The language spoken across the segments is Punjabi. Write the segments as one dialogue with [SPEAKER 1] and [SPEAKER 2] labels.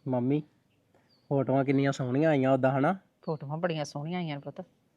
[SPEAKER 1] ਮੰਮੀ ਫੋਟੋਆਂ ਕਿੰਨੀਆਂ ਸੋਹਣੀਆਂ ਆਈਆਂ ਉਦਾਂ ਹਨਾ।
[SPEAKER 2] ਫੋਟੋਆਂ ਬੜੀਆਂ ਸੋਹਣੀਆਂ ਆਈਆਂ ਨੇ ਪੁੱਤ।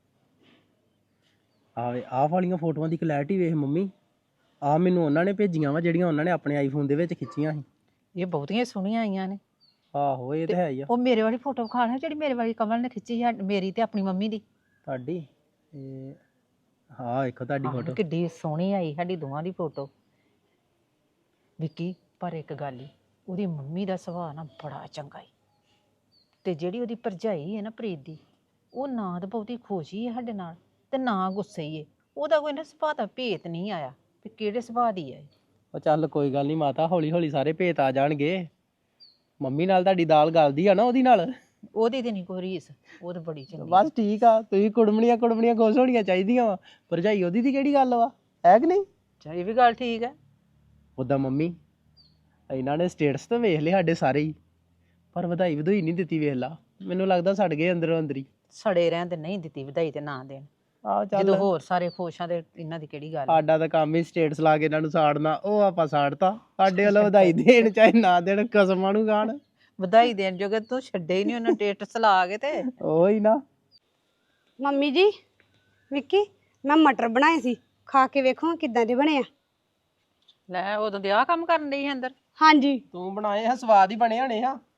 [SPEAKER 1] ਆਹ ਵਾਲੀਆਂ ਫੋਟੋਆਂ ਦੀ ਕਲੈਰਿਟੀ ਵੇਖ ਮੰਮੀ। ਆਹ ਮੈਨੂੰ ਉਹਨਾਂ ਨੇ ਭੇਜੀਆਂ ਵਾ ਜਿਹੜੀਆਂ ਉਹਨਾਂ ਨੇ ਆਪਣੇ ਆਈਫੋਨ ਦੇ ਵਿੱਚ ਖਿੱਚੀਆਂ ਸੀ।
[SPEAKER 2] ਇਹ ਬਹੁਤੀਆਂ ਸੋਹਣੀਆਂ ਆਈਆਂ ਨੇ।
[SPEAKER 1] ਆਹੋ ਇਹ ਤਾਂ ਹੈ ਹੀ ਆ।
[SPEAKER 2] ਉਹ ਮੇਰੇ ਵਾਲੀ ਫੋਟੋ ਵਿਖਾ ਨਾ ਜਿਹੜੀ ਮੇਰੇ ਵਾਲੀ ਕਮਲ ਨੇ ਖਿੱਚੀ ਹੈ, ਮੇਰੀ ਤੇ ਆਪਣੀ ਮੰਮੀ ਦੀ।
[SPEAKER 1] ਤੁਹਾਡੀ ਹਾਂ ਦੇਖੋ ਤੁਹਾਡੀ ਫੋਟੋ
[SPEAKER 2] ਕਿੱਡੀ ਸੋਹਣੀ ਆਈ ਸਾਡੀ ਦੋਵਾਂ ਦੀ ਫੋਟੋ। ਵਿੱਕੀ ਪਰ ਇੱਕ ਗੱਲ ਹੀ, ਉਹਦੀ ਮੰਮੀ ਦਾ ਸੁਭਾਅ ਨਾ ਬੜਾ ਚੰਗਾ ਈ, ਤੇ ਜਿਹੜੀ ਉਹਦੀ ਭਰਜਾਈ ਹੈ ਨਾ ਪ੍ਰੀਤ ਦੀ, ਉਹ ਨਾ ਤਾਂ ਬਹੁਤੀ ਖੁਸ਼ੀ ਹੈ ਸਾਡੇ ਨਾਲ ਤੇ ਨਾ ਗੁੱਸੇ ਹੀ ਹੈ। ਉਹਦਾ ਕੋਈ ਨਾ ਸੁਭਾਅ ਦਾ ਭੇਤ ਨਹੀਂ ਆਇਆ ਵੀ ਕਿਹੜੇ ਸੁਭਾਅ ਦੀ ਹੈ।
[SPEAKER 1] ਉਹ ਚੱਲ ਕੋਈ ਗੱਲ ਨਹੀਂ ਮਾਤਾ, ਹੌਲੀ ਹੌਲੀ ਸਾਰੇ ਭੇਤ ਆ ਜਾਣਗੇ। ਮੰਮੀ ਨਾਲ ਤੁਹਾਡੀ ਦਾਲ ਗਲਦੀ ਆ ਨਾ ਉਹਦੀ ਨਾਲ।
[SPEAKER 2] ਉਹਦੀ ਤੇ ਨਹੀਂ ਕੋਈ ਰੀਸ, ਉਹ ਤਾਂ ਬੜੀ ਚੰਗੀ।
[SPEAKER 1] ਬਸ ਠੀਕ ਆ, ਤੁਸੀਂ ਕੁੜਮਣੀਆਂ ਖੁਸ਼ ਹੋਣੀਆਂ ਚਾਹੀਦੀਆਂ ਵਾ। ਭਰਜਾਈ ਉਹਦੀ ਦੀ ਕਿਹੜੀ ਗੱਲ ਵਾ, ਹੈ ਕਿ ਨਹੀਂ?
[SPEAKER 2] ਅੱਛਾ ਇਹ ਵੀ ਗੱਲ ਠੀਕ ਹੈ।
[SPEAKER 1] ਉੱਦਾਂ ਮੰਮੀ ਇਹਨਾਂ ਨੇ ਸਟੇਟਸ ਤਾਂ ਵੇਖ ਲਏ ਸਾਡੇ ਸਾਰੇ ਹੀ, ਪਰ ਵਧਾਈ ਨਹੀਂ ਦਿੱਤੀ। ਵੇਖ ਲਾ, ਮੈਨੂੰ ਲੱਗਦਾ ਸੜ ਗਏ ਅੰਦਰੋਂ ਅੰਦਰ ਹੀ।
[SPEAKER 2] ਸੜੇ ਰਹਿਣ ਤੇ ਨਹੀਂ ਦਿੱਤੀ ਵਧਾਈ ਤੇ ਨਾ ਦੇਣ।
[SPEAKER 1] ਆਹ ਚੱਲ,
[SPEAKER 2] ਜਦੋਂ ਹੋਰ ਸਾਰੇ ਖੁਸ਼ ਆ ਤੇ ਇਹਨਾਂ ਦੀ ਕਿਹੜੀ ਗੱਲ।
[SPEAKER 1] ਸਾਡਾ ਤਾਂ ਕੰਮ ਹੀ ਸਟੇਟਸ ਲਾ ਕੇ ਇਹਨਾਂ ਨੂੰ ਸਾੜਨਾ, ਉਹ ਆਪਾਂ ਸਾੜਤਾ। ਸਾਡੇ ਵੱਲੋਂ ਵਧਾਈ ਦੇਣ ਚਾਹੇ ਨਾ ਦੇਣ, ਕਸਮਾਂ ਨੂੰ ਖਾਣ।
[SPEAKER 2] ਵਧਾਈ ਦੇਣ ਜੋਗੇ ਤੂੰ ਛੱਡੇ ਹੀ ਨਹੀਂ ਉਹਨੂੰ ਸਟੇਟਸ ਲਾ ਕੇ ਤੇ।
[SPEAKER 1] ਉਹੀ ਨਾ।
[SPEAKER 3] ਮੰਮੀ ਜੀ, ਵਿੱਕੀ ਮੈਂ ਮਟਰ ਬਣਾਏ ਸੀ, ਖਾ ਕੇ ਵੇਖੋ ਕਿੱਦਾਂ ਦੇ ਬਣੇ ਆ।
[SPEAKER 2] ਲੈ ਉਦੋਂ ਦੇ ਆਹ ਕੰਮ ਕਰਨ ਡਈ ਅੰਦਰ।
[SPEAKER 3] ਹਾਂਜੀ
[SPEAKER 1] ਤੂੰ ਬਣਾਏ ਆ, ਸਵਾਦ ਹੀ ਬਣੇ ਹਣੇ ਆ,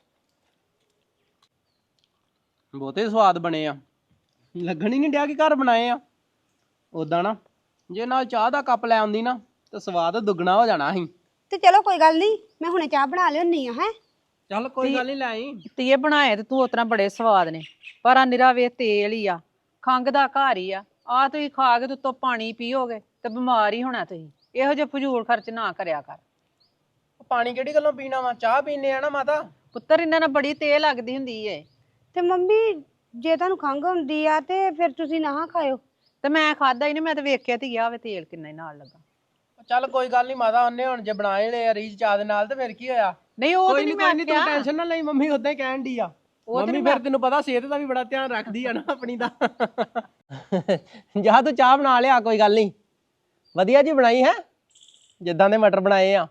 [SPEAKER 1] ਬਹੁਤੇ ਸਵਾਦ ਬਣੇ ਆ। ਲੱਗਣ ਹੀ ਨਹੀਂ ਡਿਆ ਕਿ ਘਰ ਬਣਾਏ ਆ। ਉਦਾਂ ਨਾ ਜੇ ਨਾਲ ਚਾਹ ਦਾ ਕੱਪ ਲੈ ਆਉਂਦੀ ਨਾ ਤਾਂ ਸਵਾਦ ਦੁੱਗਣਾ ਹੋ ਜਾਣਾ ਸੀ।
[SPEAKER 3] ਤੇ ਚਲੋ ਕੋਈ ਗੱਲ ਨਹੀਂ, ਮੈਂ ਹੁਣੇ ਚਾਹ ਬਣਾ ਲਿਆਉਣੀ ਆ। ਹੈ
[SPEAKER 1] ਚੱਲ ਕੋਈ ਗੱਲ ਨਹੀਂ, ਲੈ ਆਈ।
[SPEAKER 2] ਤੀਏ ਬਣਾਏ ਤੇ ਤੂੰ ਉਤਰਾ ਬੜੇ ਸਵਾਦ ਨੇ, ਪਰ ਆ ਨਿਰਾ ਵੇ ਤੇਲ ਹੀ ਆ, ਖੰਘ ਦਾ ਘਰ ਹੀ ਆ। ਆ ਤੁਸੀਂ ਖਾ ਕੇ ਉੱਤੋਂ ਪਾਣੀ ਪੀਓਗੇ ਤੇ ਬਿਮਾਰ ਹੀ ਹੋਣਾ ਤੁਸੀਂ। ਇਹੋ ਜਿਹੇ ਫਜ਼ੂਲ ਖਰਚ ਨਾ ਕਰਿਆ ਕਰ।
[SPEAKER 1] ਪਾਣੀ ਕਿਹੜੀ ਗੱਲੋਂ ਪੀਣਾ ਵਾ, ਚਾਹ ਪੀਨੇ ਆ ਨਾ ਮਾਤਾ।
[SPEAKER 2] ਪੁੱਤਰ ਇਹਨਾਂ ਨਾਲ ਬੜੀ ਤੇਲ ਲੱਗਦੀ ਹੁੰਦੀ ਏ।
[SPEAKER 3] ਤੇ ਮੰਮੀ ਜੇ ਤੁਹਾਨੂੰ ਖੰਘ ਹੁੰਦੀ ਆ ਤੇ ਫਿਰ ਤੁਸੀਂ ਨਾ ਖਾਇਓ।
[SPEAKER 2] ਤੇ ਮੈਂ ਖਾਦਾ ਹੀ ਨਹੀਂ, ਮੈਂ ਤੇ ਵੇਖਿਆ ਤੇ ਗਿਆ ਵੇ ਤੇਲ ਕਿੰਨਾ ਹੀ ਨਾਲ ਲੱਗਾ।
[SPEAKER 1] ਚੱਲ ਕੋਈ ਗੱਲ ਨਹੀਂ ਮਾਤਾ, ਉਹਨੇ ਹੁਣ ਜੇ ਬਣਾਏ ਲੈ ਰੀਜ ਚਾਹ ਦੇ ਨਾਲ ਤੇ ਫਿਰ ਕੀ ਹੋਇਆ।
[SPEAKER 2] ਨਹੀਂ ਉਹ ਤੇ
[SPEAKER 1] ਕੋਈ
[SPEAKER 2] ਨਹੀਂ
[SPEAKER 1] ਨਹੀਂ,
[SPEAKER 2] ਮੈਂ
[SPEAKER 1] ਤੂੰ ਟੈਨਸ਼ਨ ਨਾ ਲਈ, ਮੰਮੀ ਉਦਾਂ ਹੀ ਕਹਿਣ ਦੀ ਆ। ਮੰਮੀ ਫਿਰ ਤੈਨੂੰ ਪਤਾ ਸਿਹਤ ਦਾ ਵੀ ਬੜਾ ਧਿਆਨ ਰੱਖਦੀ ਆ ਨਾ ਆਪਣੀ ਦਾ। ਜਾ ਤੂੰ ਚਾਹ ਬਣਾ ਲਿਆ, ਕੋਈ ਗੱਲ ਨਹੀਂ। ਵਧੀਆ ਜੀ ਬਣਾਈ ਹੈ, ਜਿੱਦਾਂ ਦੇ ਮਟਰ ਬਣਾਏ ਆ।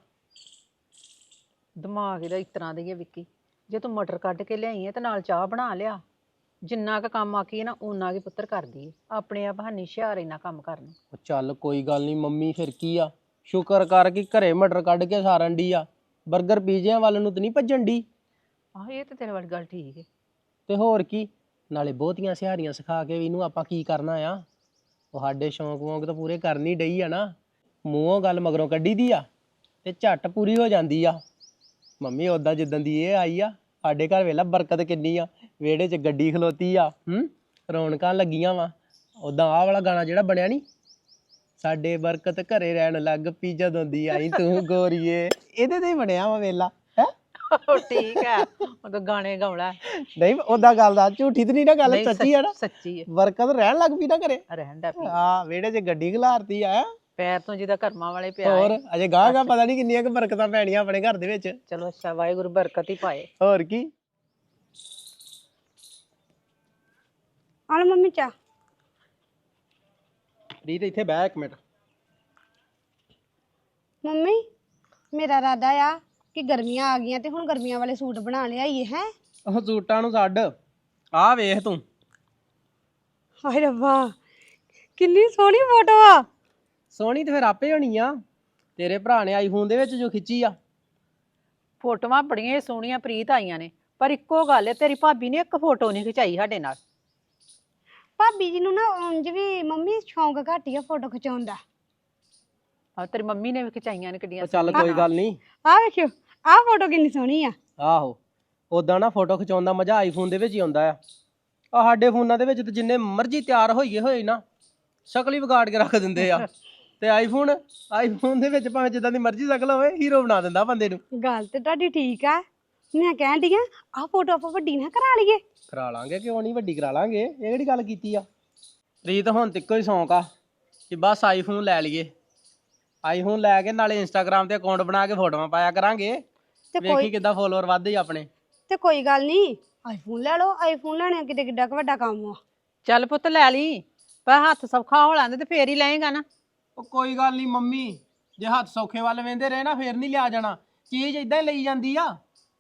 [SPEAKER 2] ਦਿਮਾਗ ਇਹਦਾ ਇਸ ਤਰ੍ਹਾਂ ਦਾ ਹੀ ਹੈ ਵਿੱਕੀ। ਜੇ ਤੂੰ ਮਟਰ ਕੱਢ ਕੇ ਲਿਆਈ ਹੈ ਤੇ ਨਾਲ ਚਾਹ ਬਣਾ ਲਿਆ, ਜਿੰਨਾ ਕੁ ਕੰਮ ਆਖੀਏ ਨਾ ਓਨਾ ਕੁ ਪੁੱਤਰ ਕਰਦੀ ਏ। ਆਪਣੇ ਆਪ ਹਾਨੀ ਹੁਸ਼ਿਆਰ ਇੰਨਾ ਕੰਮ ਕਰਨਾ।
[SPEAKER 1] ਚੱਲ ਕੋਈ ਗੱਲ ਨਹੀਂ ਮੰਮੀ, ਫਿਰ ਕੀ ਆ, ਸ਼ੁਕਰ ਕਰ ਕਿ ਘਰੇ ਮਟਰ ਕੱਢ ਕੇ ਸਾਰਨ ਦੀ ਆ। ਬਰਗਰ ਪੀਜ਼ਿਆਂ ਵੱਲ ਨੂੰ ਤੇ ਨਹੀਂ ਭੱਜਣ ਦੀ।
[SPEAKER 2] ਆਹ ਇਹ ਤੇ ਤੇਰੇ ਵਾਲੀ ਗੱਲ ਠੀਕ ਹੈ।
[SPEAKER 1] ਤੇ ਹੋਰ ਕੀ, ਨਾਲੇ ਬਹੁਤੀਆਂ ਸਿਹਾਰੀਆਂ ਸਿਖਾ ਕੇ ਵੀ ਇਹਨੂੰ ਆਪਾਂ ਕੀ ਕਰਨਾ ਆ। ਉਹ ਸਾਡੇ ਸ਼ੌਂਕ ਵੌਂਕ ਤਾਂ ਪੂਰੇ ਕਰਨੀ ਡਈ ਆ ਨਾ। ਮੂੰਹੋਂ ਗੱਲ ਮਗਰੋਂ ਕੱਢੀ ਦੀ ਆ ਤੇ ਝੱਟ ਪੂਰੀ ਹੋ ਜਾਂਦੀ ਆ। ਮੰਮੀ ਉਦਾਂ ਜਿੱਦਾਂ ਦੀ ਇਹ ਆਈ ਆ, ਸਾਡੇ ਘਰ ਵੇਲਾ ਬਰਕਤ ਕਿੰਨੀ ਆ। ਵਿਹੜੇ 'ਚ ਗੱਡੀ ਖਲੋਤੀ ਆ, ਰੌਣਕਾਂ ਲੱਗੀਆਂ ਵਾ। ਉਦਾਂ ਆਹ ਵਾਲਾ ਗਾਣਾ ਜਿਹੜਾ ਬਣਿਆ ਨੀ, ਸਾਡੇ ਬਰਕਤ ਘਰੇ ਰਹਿਣ ਲੱਗ ਪਈ ਜਦੋਂ ਦੀ ਆਈ ਤੂੰ ਗੋਰੀਏ, ਇਹਦੇ ਤੇ ਹੀ ਬਣਿਆ ਵਾ ਵੇਲਾ। ਹੈ
[SPEAKER 2] ਠੀਕ ਹੈ, ਉਹ ਤਾਂ ਗਾਣੇ ਗਾਉਣਾ।
[SPEAKER 1] ਨਹੀਂ ਉਦਾਂ ਗੱਲ ਦਾ ਝੂਠੀ ਤੇ ਨਹੀਂ ਨਾ ਗੱਲ, ਸੱਚੀ ਆ ਨਾ।
[SPEAKER 2] ਸੱਚੀ ਹੈ,
[SPEAKER 1] ਬਰਕਤ ਰਹਿਣ ਲੱਗ ਪਈ ਨਾ ਘਰੇ।
[SPEAKER 2] ਰਹਿਣ ਦਾ ਪੀ
[SPEAKER 1] ਹਾਂ, ਵਿਹੜੇ 'ਚ ਗੱਡੀ ਖਿਲਾਰਤੀ ਆ।
[SPEAKER 2] ਪੈਰ ਤੋਂ ਜਿਹਦਾ ਕਰਮਾਂ ਵਾਲੇ ਪਿਆ।
[SPEAKER 1] ਹੋਰ ਅਜੇ ਗਾਹ ਪਤਾ ਨਹੀਂ ਕਿੰਨੀਆਂ ਕੁ ਬਰਕਤਾਂ ਪੈਣੀਆਂ ਆਪਣੇ ਘਰ ਦੇ ਵਿੱਚ।
[SPEAKER 2] ਚਲੋ ਅੱਛਾ, ਵਾਹਿਗੁਰੂ ਬਰਕਤ ਹੀ ਪਾਏ।
[SPEAKER 1] ਹੋਰ ਕੀ।
[SPEAKER 3] ਆ ਲਓ ਮੰਮੀ ਚਾਹ।
[SPEAKER 1] ਰੀਤ ਇੱਥੇ ਬਹਿ ਇੱਕ ਮਿੰਟ।
[SPEAKER 3] ਮੰਮੀ ਮੇਰਾ ਇਰਾਦਾ ਆ ਕਿ ਗਰਮੀਆਂ ਆ ਗਈਆਂ ਤੇ ਹੁਣ ਗਰਮੀਆਂ ਵਾਲੇ ਸੂਟ ਬਣਾ ਲਿਆਈਏ। ਹੈ
[SPEAKER 1] ਉਹ ਸੂਟਾਂ ਨੂੰ ਛੱਡ, ਆਹ ਵੇਖ ਤੂੰ।
[SPEAKER 3] ਹਾਏ ਰੱਬਾ, ਕਿੰਨੀ ਸੋਹਣੀ ਫੋਟੋ ਆ।
[SPEAKER 1] ਸੋਹਣੀ ਤੇ ਫਿਰ ਆਪੇ ਹੋਣੀ ਆ, ਤੇਰੇ ਭਰਾ ਨੇ ਆਈਫੋਨ ਦੇ ਵਿੱਚ ਜੋ ਖਿੱਚੀ ਆ।
[SPEAKER 2] ਫੋਟੋਆਂ ਬੜੀਆਂ ਸੋਹਣੀਆਂ ਪ੍ਰੀਤ ਆਈਆਂ ਨੇ, ਪਰ ਇੱਕੋ ਗੱਲ ਹੈ, ਤੇਰੀ ਭਾਬੀ ਨੇ ਇੱਕ ਫੋਟੋ ਨਹੀਂ ਖਿਚਾਈ ਸਾਡੇ ਨਾਲ।
[SPEAKER 3] ਭਾਬੀ ਜੀ ਨੂੰ ਨਾ ਉਂਝ ਵੀ ਮੰਮੀ ਸ਼ੌਂਕ ਘੱਟ ਹੀ ਆ ਫੋਟੋ ਖਿਚਾਉਣ ਦਾ।
[SPEAKER 2] ਆ ਤੇਰੀ ਮੰਮੀ ਨੇ ਵੀ ਖਿਚਾਈਆਂ ਨੇ ਕਿੱਡੀਆਂ।
[SPEAKER 1] ਚੱਲ ਕੋਈ ਗੱਲ ਨਹੀਂ।
[SPEAKER 3] ਆਹ ਵੇਖਿਓ, ਆਹ ਫੋਟੋ ਕਿੰਨੀ ਸੋਹਣੀ ਆ।
[SPEAKER 1] ਆਹੋ, ਉਦਾਂ ਨਾ ਫੋਟੋ ਖਿਚਾਉਣ ਦਾ ਮਜ਼ਾ ਆਈਫੋਨ ਦੇ ਵਿੱਚ ਹੀ ਆਉਂਦਾ ਆ। ਸਾਡੇ ਫੋਨਾਂ ਦੇ ਵਿੱਚ ਤੇ ਜਿੰਨੇ ਮਰਜ਼ੀ ਤਿਆਰ ਹੋਈਏ ਹੋਏ ਨਾ, ਸ਼ਕਲ ਹੀ ਵਿਗਾੜ ਕੇ ਰੱਖ ਦਿੰਦੇ ਆ। ਤੇ ਆਈਫੋਨ ਦੇ ਵਿੱਚ ਭਾਵੇਂ ਜਿੱਦਾਂ ਦੀ ਮਰਜ਼ੀ ਸ਼ਕਲ ਹੋਵੇ, ਹੀਰੋ ਬਣਾ ਦਿੰਦਾ ਬੰਦੇ ਨੂੰ।
[SPEAKER 3] ਗੱਲ ਤੇ ਤੁਹਾਡੀ ਠੀਕ ਆ। ਮੈਂ ਕਹਿਣ ਡਈ ਆ ਆਹ ਫੋਟੋ ਆਪਾਂ ਵੱਡੀ ਨਾ ਕਰਾ ਲਈਏ।
[SPEAKER 1] ਕਰਾ ਲਾਂਗੇ, ਕਿਉਂ ਨਹੀਂ, ਵੱਡੀ ਕਰਾ ਲਾਂਗੇ। ਇਹ ਕਿਹੜੀ ਗੱਲ ਕੀਤੀ ਆ। ਰੀਤ ਹੁਣ ਤੇ ਇੱਕੋ ਹੀ ਸ਼ੌਂਕ ਆ ਕਿ ਬਸ ਆਈਫੋਨ ਲੈ ਲਈਏ। ਆਈਫੋਨ ਲੈ ਕੇ ਨਾਲੇ ਇੰਸਟਾਗ੍ਰਾਮ ਤੇ ਅਕਾਊਂਟ ਬਣਾ ਕੇ ਫੋਟੋਆਂ ਪਾਇਆ ਕਰਾਂਗੇ, ਤੇ ਵੇਖੀ ਕਿੱਦਾਂ ਫੋਲੋਅਰ ਵੱਧਦੇ ਹੀ ਆਪਣੇ।
[SPEAKER 3] ਤੇ ਕੋਈ ਗੱਲ ਨਹੀਂ, ਆਈਫੋਨ ਲੈ ਲਓ। ਆਈਫੋਨ ਲੈਣਾ ਕਿਤੇ ਕਿੱਡਾ ਕੁ ਵੱਡਾ ਕੰਮ ਆ।
[SPEAKER 2] ਚੱਲ ਪੁੱਤ ਲੈ ਲਈ, ਪਰ ਹੱਥ ਸੌਖਾ ਹੋ ਲੈਂਦੇ ਤੇ ਫੇਰ ਹੀ ਲਏਗਾ ਨਾ।
[SPEAKER 1] ਉਹ ਕੋਈ ਗੱਲ ਨਹੀਂ ਮੰਮੀ, ਜੇ ਹੱਥ ਸੌਖੇ ਵੱਲ ਵੇਂਦੇ ਰਹੇ ਨਾ ਫੇਰ ਨਹੀਂ ਲਿਆ ਜਾਣਾ। ਚੀਜ਼ ਇਦਾਂ ਹੀ ਲਈ ਜਾਂਦੀ ਆ।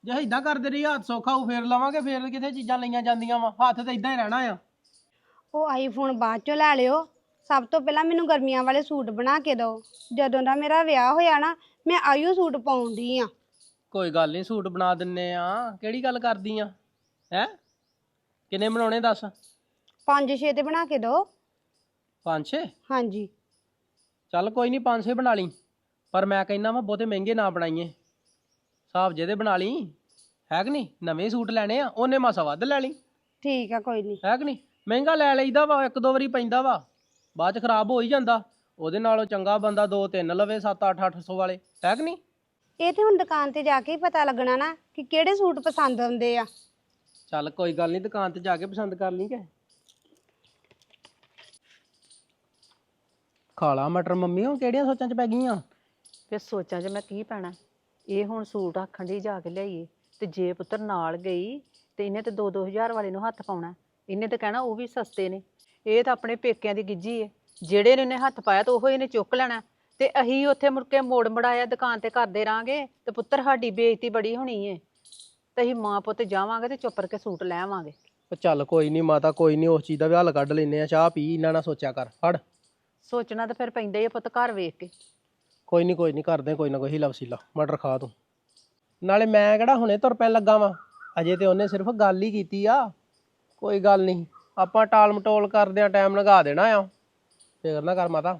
[SPEAKER 1] ਜੇ ਇਦਾਂ ਕਰਦੇ ਰਹੀ ਹੱਥ ਸੌਖਾ ਹੋ ਫੇਰ ਲਵਾਂਗੇ, ਫੇਰ ਕਿੱਥੇ ਚੀਜ਼ਾਂ ਲਈਆਂ ਜਾਂਦੀਆਂ ਵਾ, ਹੱਥ ਤੇ ਇਦਾਂ ਹੀ ਰਹਿਣਾ ਆ।
[SPEAKER 3] ਉਹ ਆਈਫੋਨ ਬਾਅਦ ਚੋਂ ਲੈ ਲਿਓ, ਸਭ ਤੋਂ ਪਹਿਲਾਂ ਮੈਨੂੰ ਗਰਮੀਆਂ ਵਾਲੇ ਸੂਟ ਬਣਾ ਕੇ ਦਿਓ। ਜਦੋਂ ਦਾ ਮੇਰਾ ਵਿਆਹ ਹੋਇਆ ਨਾ, ਮੈਂ ਆਈਓ ਸੂਟ ਪਾਉਂਦੀ ਆ।
[SPEAKER 1] ਕੋਈ ਗੱਲ ਨਹੀਂ, ਸੂਟ ਬਣਾ ਦਿੰਨੇ ਆ, ਕਿਹੜੀ ਗੱਲ ਕਰਦੀ ਆ ਹੈ? ਕਿੰਨੇ ਬਣਾਉਣੇ ਦੱਸ?
[SPEAKER 3] 5-6 ਤੇ ਬਣਾ ਕੇ ਦਿਓ।
[SPEAKER 1] 5-6?
[SPEAKER 3] ਹਾਂਜੀ।
[SPEAKER 1] ਚੱਲ ਕੋਈ ਨਹੀਂ 5-6 ਬਣਾ ਲਈ, ਪਰ ਮੈਂ ਕਹਿੰਦਾ ਵਾ ਬਹੁਤੇ ਮਹਿੰਗੇ ਨਾ ਬਣਾਈਏ, ਹਿਸਾਬ ਜਿਹਦੇ ਬਣਾ ਲਈ, ਹੈ ਕਿ ਨਹੀਂ? ਨਵੇਂ ਸੂਟ ਲੈਣੇ ਆ, ਉਹਨੇ ਮਾਸਾ ਵੱਧ ਲੈ ਲਈ।
[SPEAKER 3] ਠੀਕ ਆ, ਕੋਈ ਨਹੀਂ।
[SPEAKER 1] ਹੈ ਕਿ ਨਹੀਂ? ਮਹਿੰਗਾ ਲੈ ਲਈਦਾ ਵਾ, ਇੱਕ ਦੋ ਵਾਰੀ ਪੈਂਦਾ ਵਾ, ਬਾਅਦ ਚ ਖਰਾਬ ਹੋ ਹੀ ਜਾਂਦਾ। ਉਹਦੇ ਨਾਲੋਂ ਚੰਗਾ ਬੰਦਾ 2-3 ਲਵੇ 7-800 ਵਾਲੇ, ਹੈ ਕਿ ਨਹੀਂ?
[SPEAKER 3] ਇਹ ਤੇ ਹੁਣ ਦੁਕਾਨ ਤੇ ਜਾ ਕੇ ਹੀ ਪਤਾ ਲੱਗਣਾ ਨਾ ਕਿ ਕਿਹੜੇ ਸੂਟ ਪਸੰਦ ਆਉਂਦੇ ਆ।
[SPEAKER 1] ਚੱਲ ਕੋਈ ਗੱਲ ਨਹੀਂ, ਦੁਕਾਨ ਤੇ ਜਾ ਕੇ ਪਸੰਦ ਕਰ ਲਈ ਕਿ ਖਾਲਾ ਮਟਰ ਮੰਮੀ, ਉਹ ਕਿਹੜੀਆਂ ਸੋਚਾਂ ਚ ਪੈ ਗਈਆਂ?
[SPEAKER 2] ਫਿਰ ਸੋਚਾਂ 'ਚ ਮੈਂ ਕੀ ਪੈਣਾ, ਇਹ ਹੁਣ ਸੂਟ ਆਖਣ ਦੀ ਜਾ ਕੇ ਲਿਆਈਏ, ਤੇ ਜੇ ਪੁੱਤਰ ਨਾਲ ਗਈ ਤੇ ਇਹਨੇ ਤੇ 2-2000 ਵਾਲੇ ਨੂੰ ਹੱਥ ਪਾਉਣਾ, ਇਹਨੇ ਤੇ ਕਹਿਣਾ ਉਹ ਵੀ ਸਸਤੇ ਨੇ। ਇਹ ਤਾਂ ਆਪਣੇ ਪੇਕਿਆਂ ਦੀ ਗਿੱਜੀ ਏ, ਜਿਹੜੇ ਨੇ ਇਹਨੇ ਹੱਥ ਪਾਇਆ ਤਾਂ ਉਹ ਇਹਨੇ ਚੁੱਕ ਲੈਣਾ, ਤੇ ਅਸੀਂ ਉੱਥੇ ਮੁੜ ਕੇ ਮੋੜ ਮੜਾਇਆ ਦੁਕਾਨ ਤੇ ਕਰਦੇ ਰਾਂਗੇ ਤੇ ਪੁੱਤਰ ਸਾਡੀ ਬੇਇੱਜ਼ਤੀ ਬੜੀ ਹੋਣੀ ਏ। ਤੇ ਅਸੀਂ ਮਾਂ ਪੁੱਤ ਜਾਵਾਂਗੇ ਤੇ ਚੁੱਪ ਕਰਕੇ ਸੂਟ ਲੈ ਆਵਾਂਗੇ।
[SPEAKER 1] ਉਹ ਚੱਲ ਕੋਈ ਨਹੀਂ ਮਾਤਾ, ਕੋਈ ਨਹੀਂ, ਉਸ ਚੀਜ਼ ਦਾ ਵੀ ਹੱਲ ਕੱਢ ਲੈਨੇ ਆ। ਚਾਹ ਪੀ, ਇਹਨਾਂ ਨਾ ਸੋਚਿਆ ਕਰ, ਫੜ।
[SPEAKER 2] ਸੋਚਣਾ ਤਾਂ ਫਿਰ ਪੈਂਦਾ ਹੀ ਆ ਪੁੱਤ, ਘਰ ਵੇਖ ਕੇ।
[SPEAKER 1] ਕੋਈ ਨਹੀਂ ਕਰਦੇ ਕੋਈ ਨਾ ਕੋਈ ਹੀਲਾ ਵਸੀਲਾ, ਮਟਰ ਖਾ ਤੂੰ। ਨਾਲੇ ਮੈਂ ਕਿਹੜਾ ਹੁਣੇ ਤੁਰ ਪੈਣ ਲੱਗਾ ਵਾਂ, ਅਜੇ ਤੇ ਉਹਨੇ ਸਿਰਫ ਗੱਲ ਹੀ ਕੀਤੀ ਆ। ਕੋਈ ਗੱਲ ਨਹੀਂ, ਆਪਾਂ ਟਾਲ ਮਟੋਲ ਕਰਦੇ ਆ, ਟਾਈਮ ਲਗਾ ਦੇਣਾ ਆ, ਫਿਕਰ ਨਾ ਕਰ ਮਾਤਾ।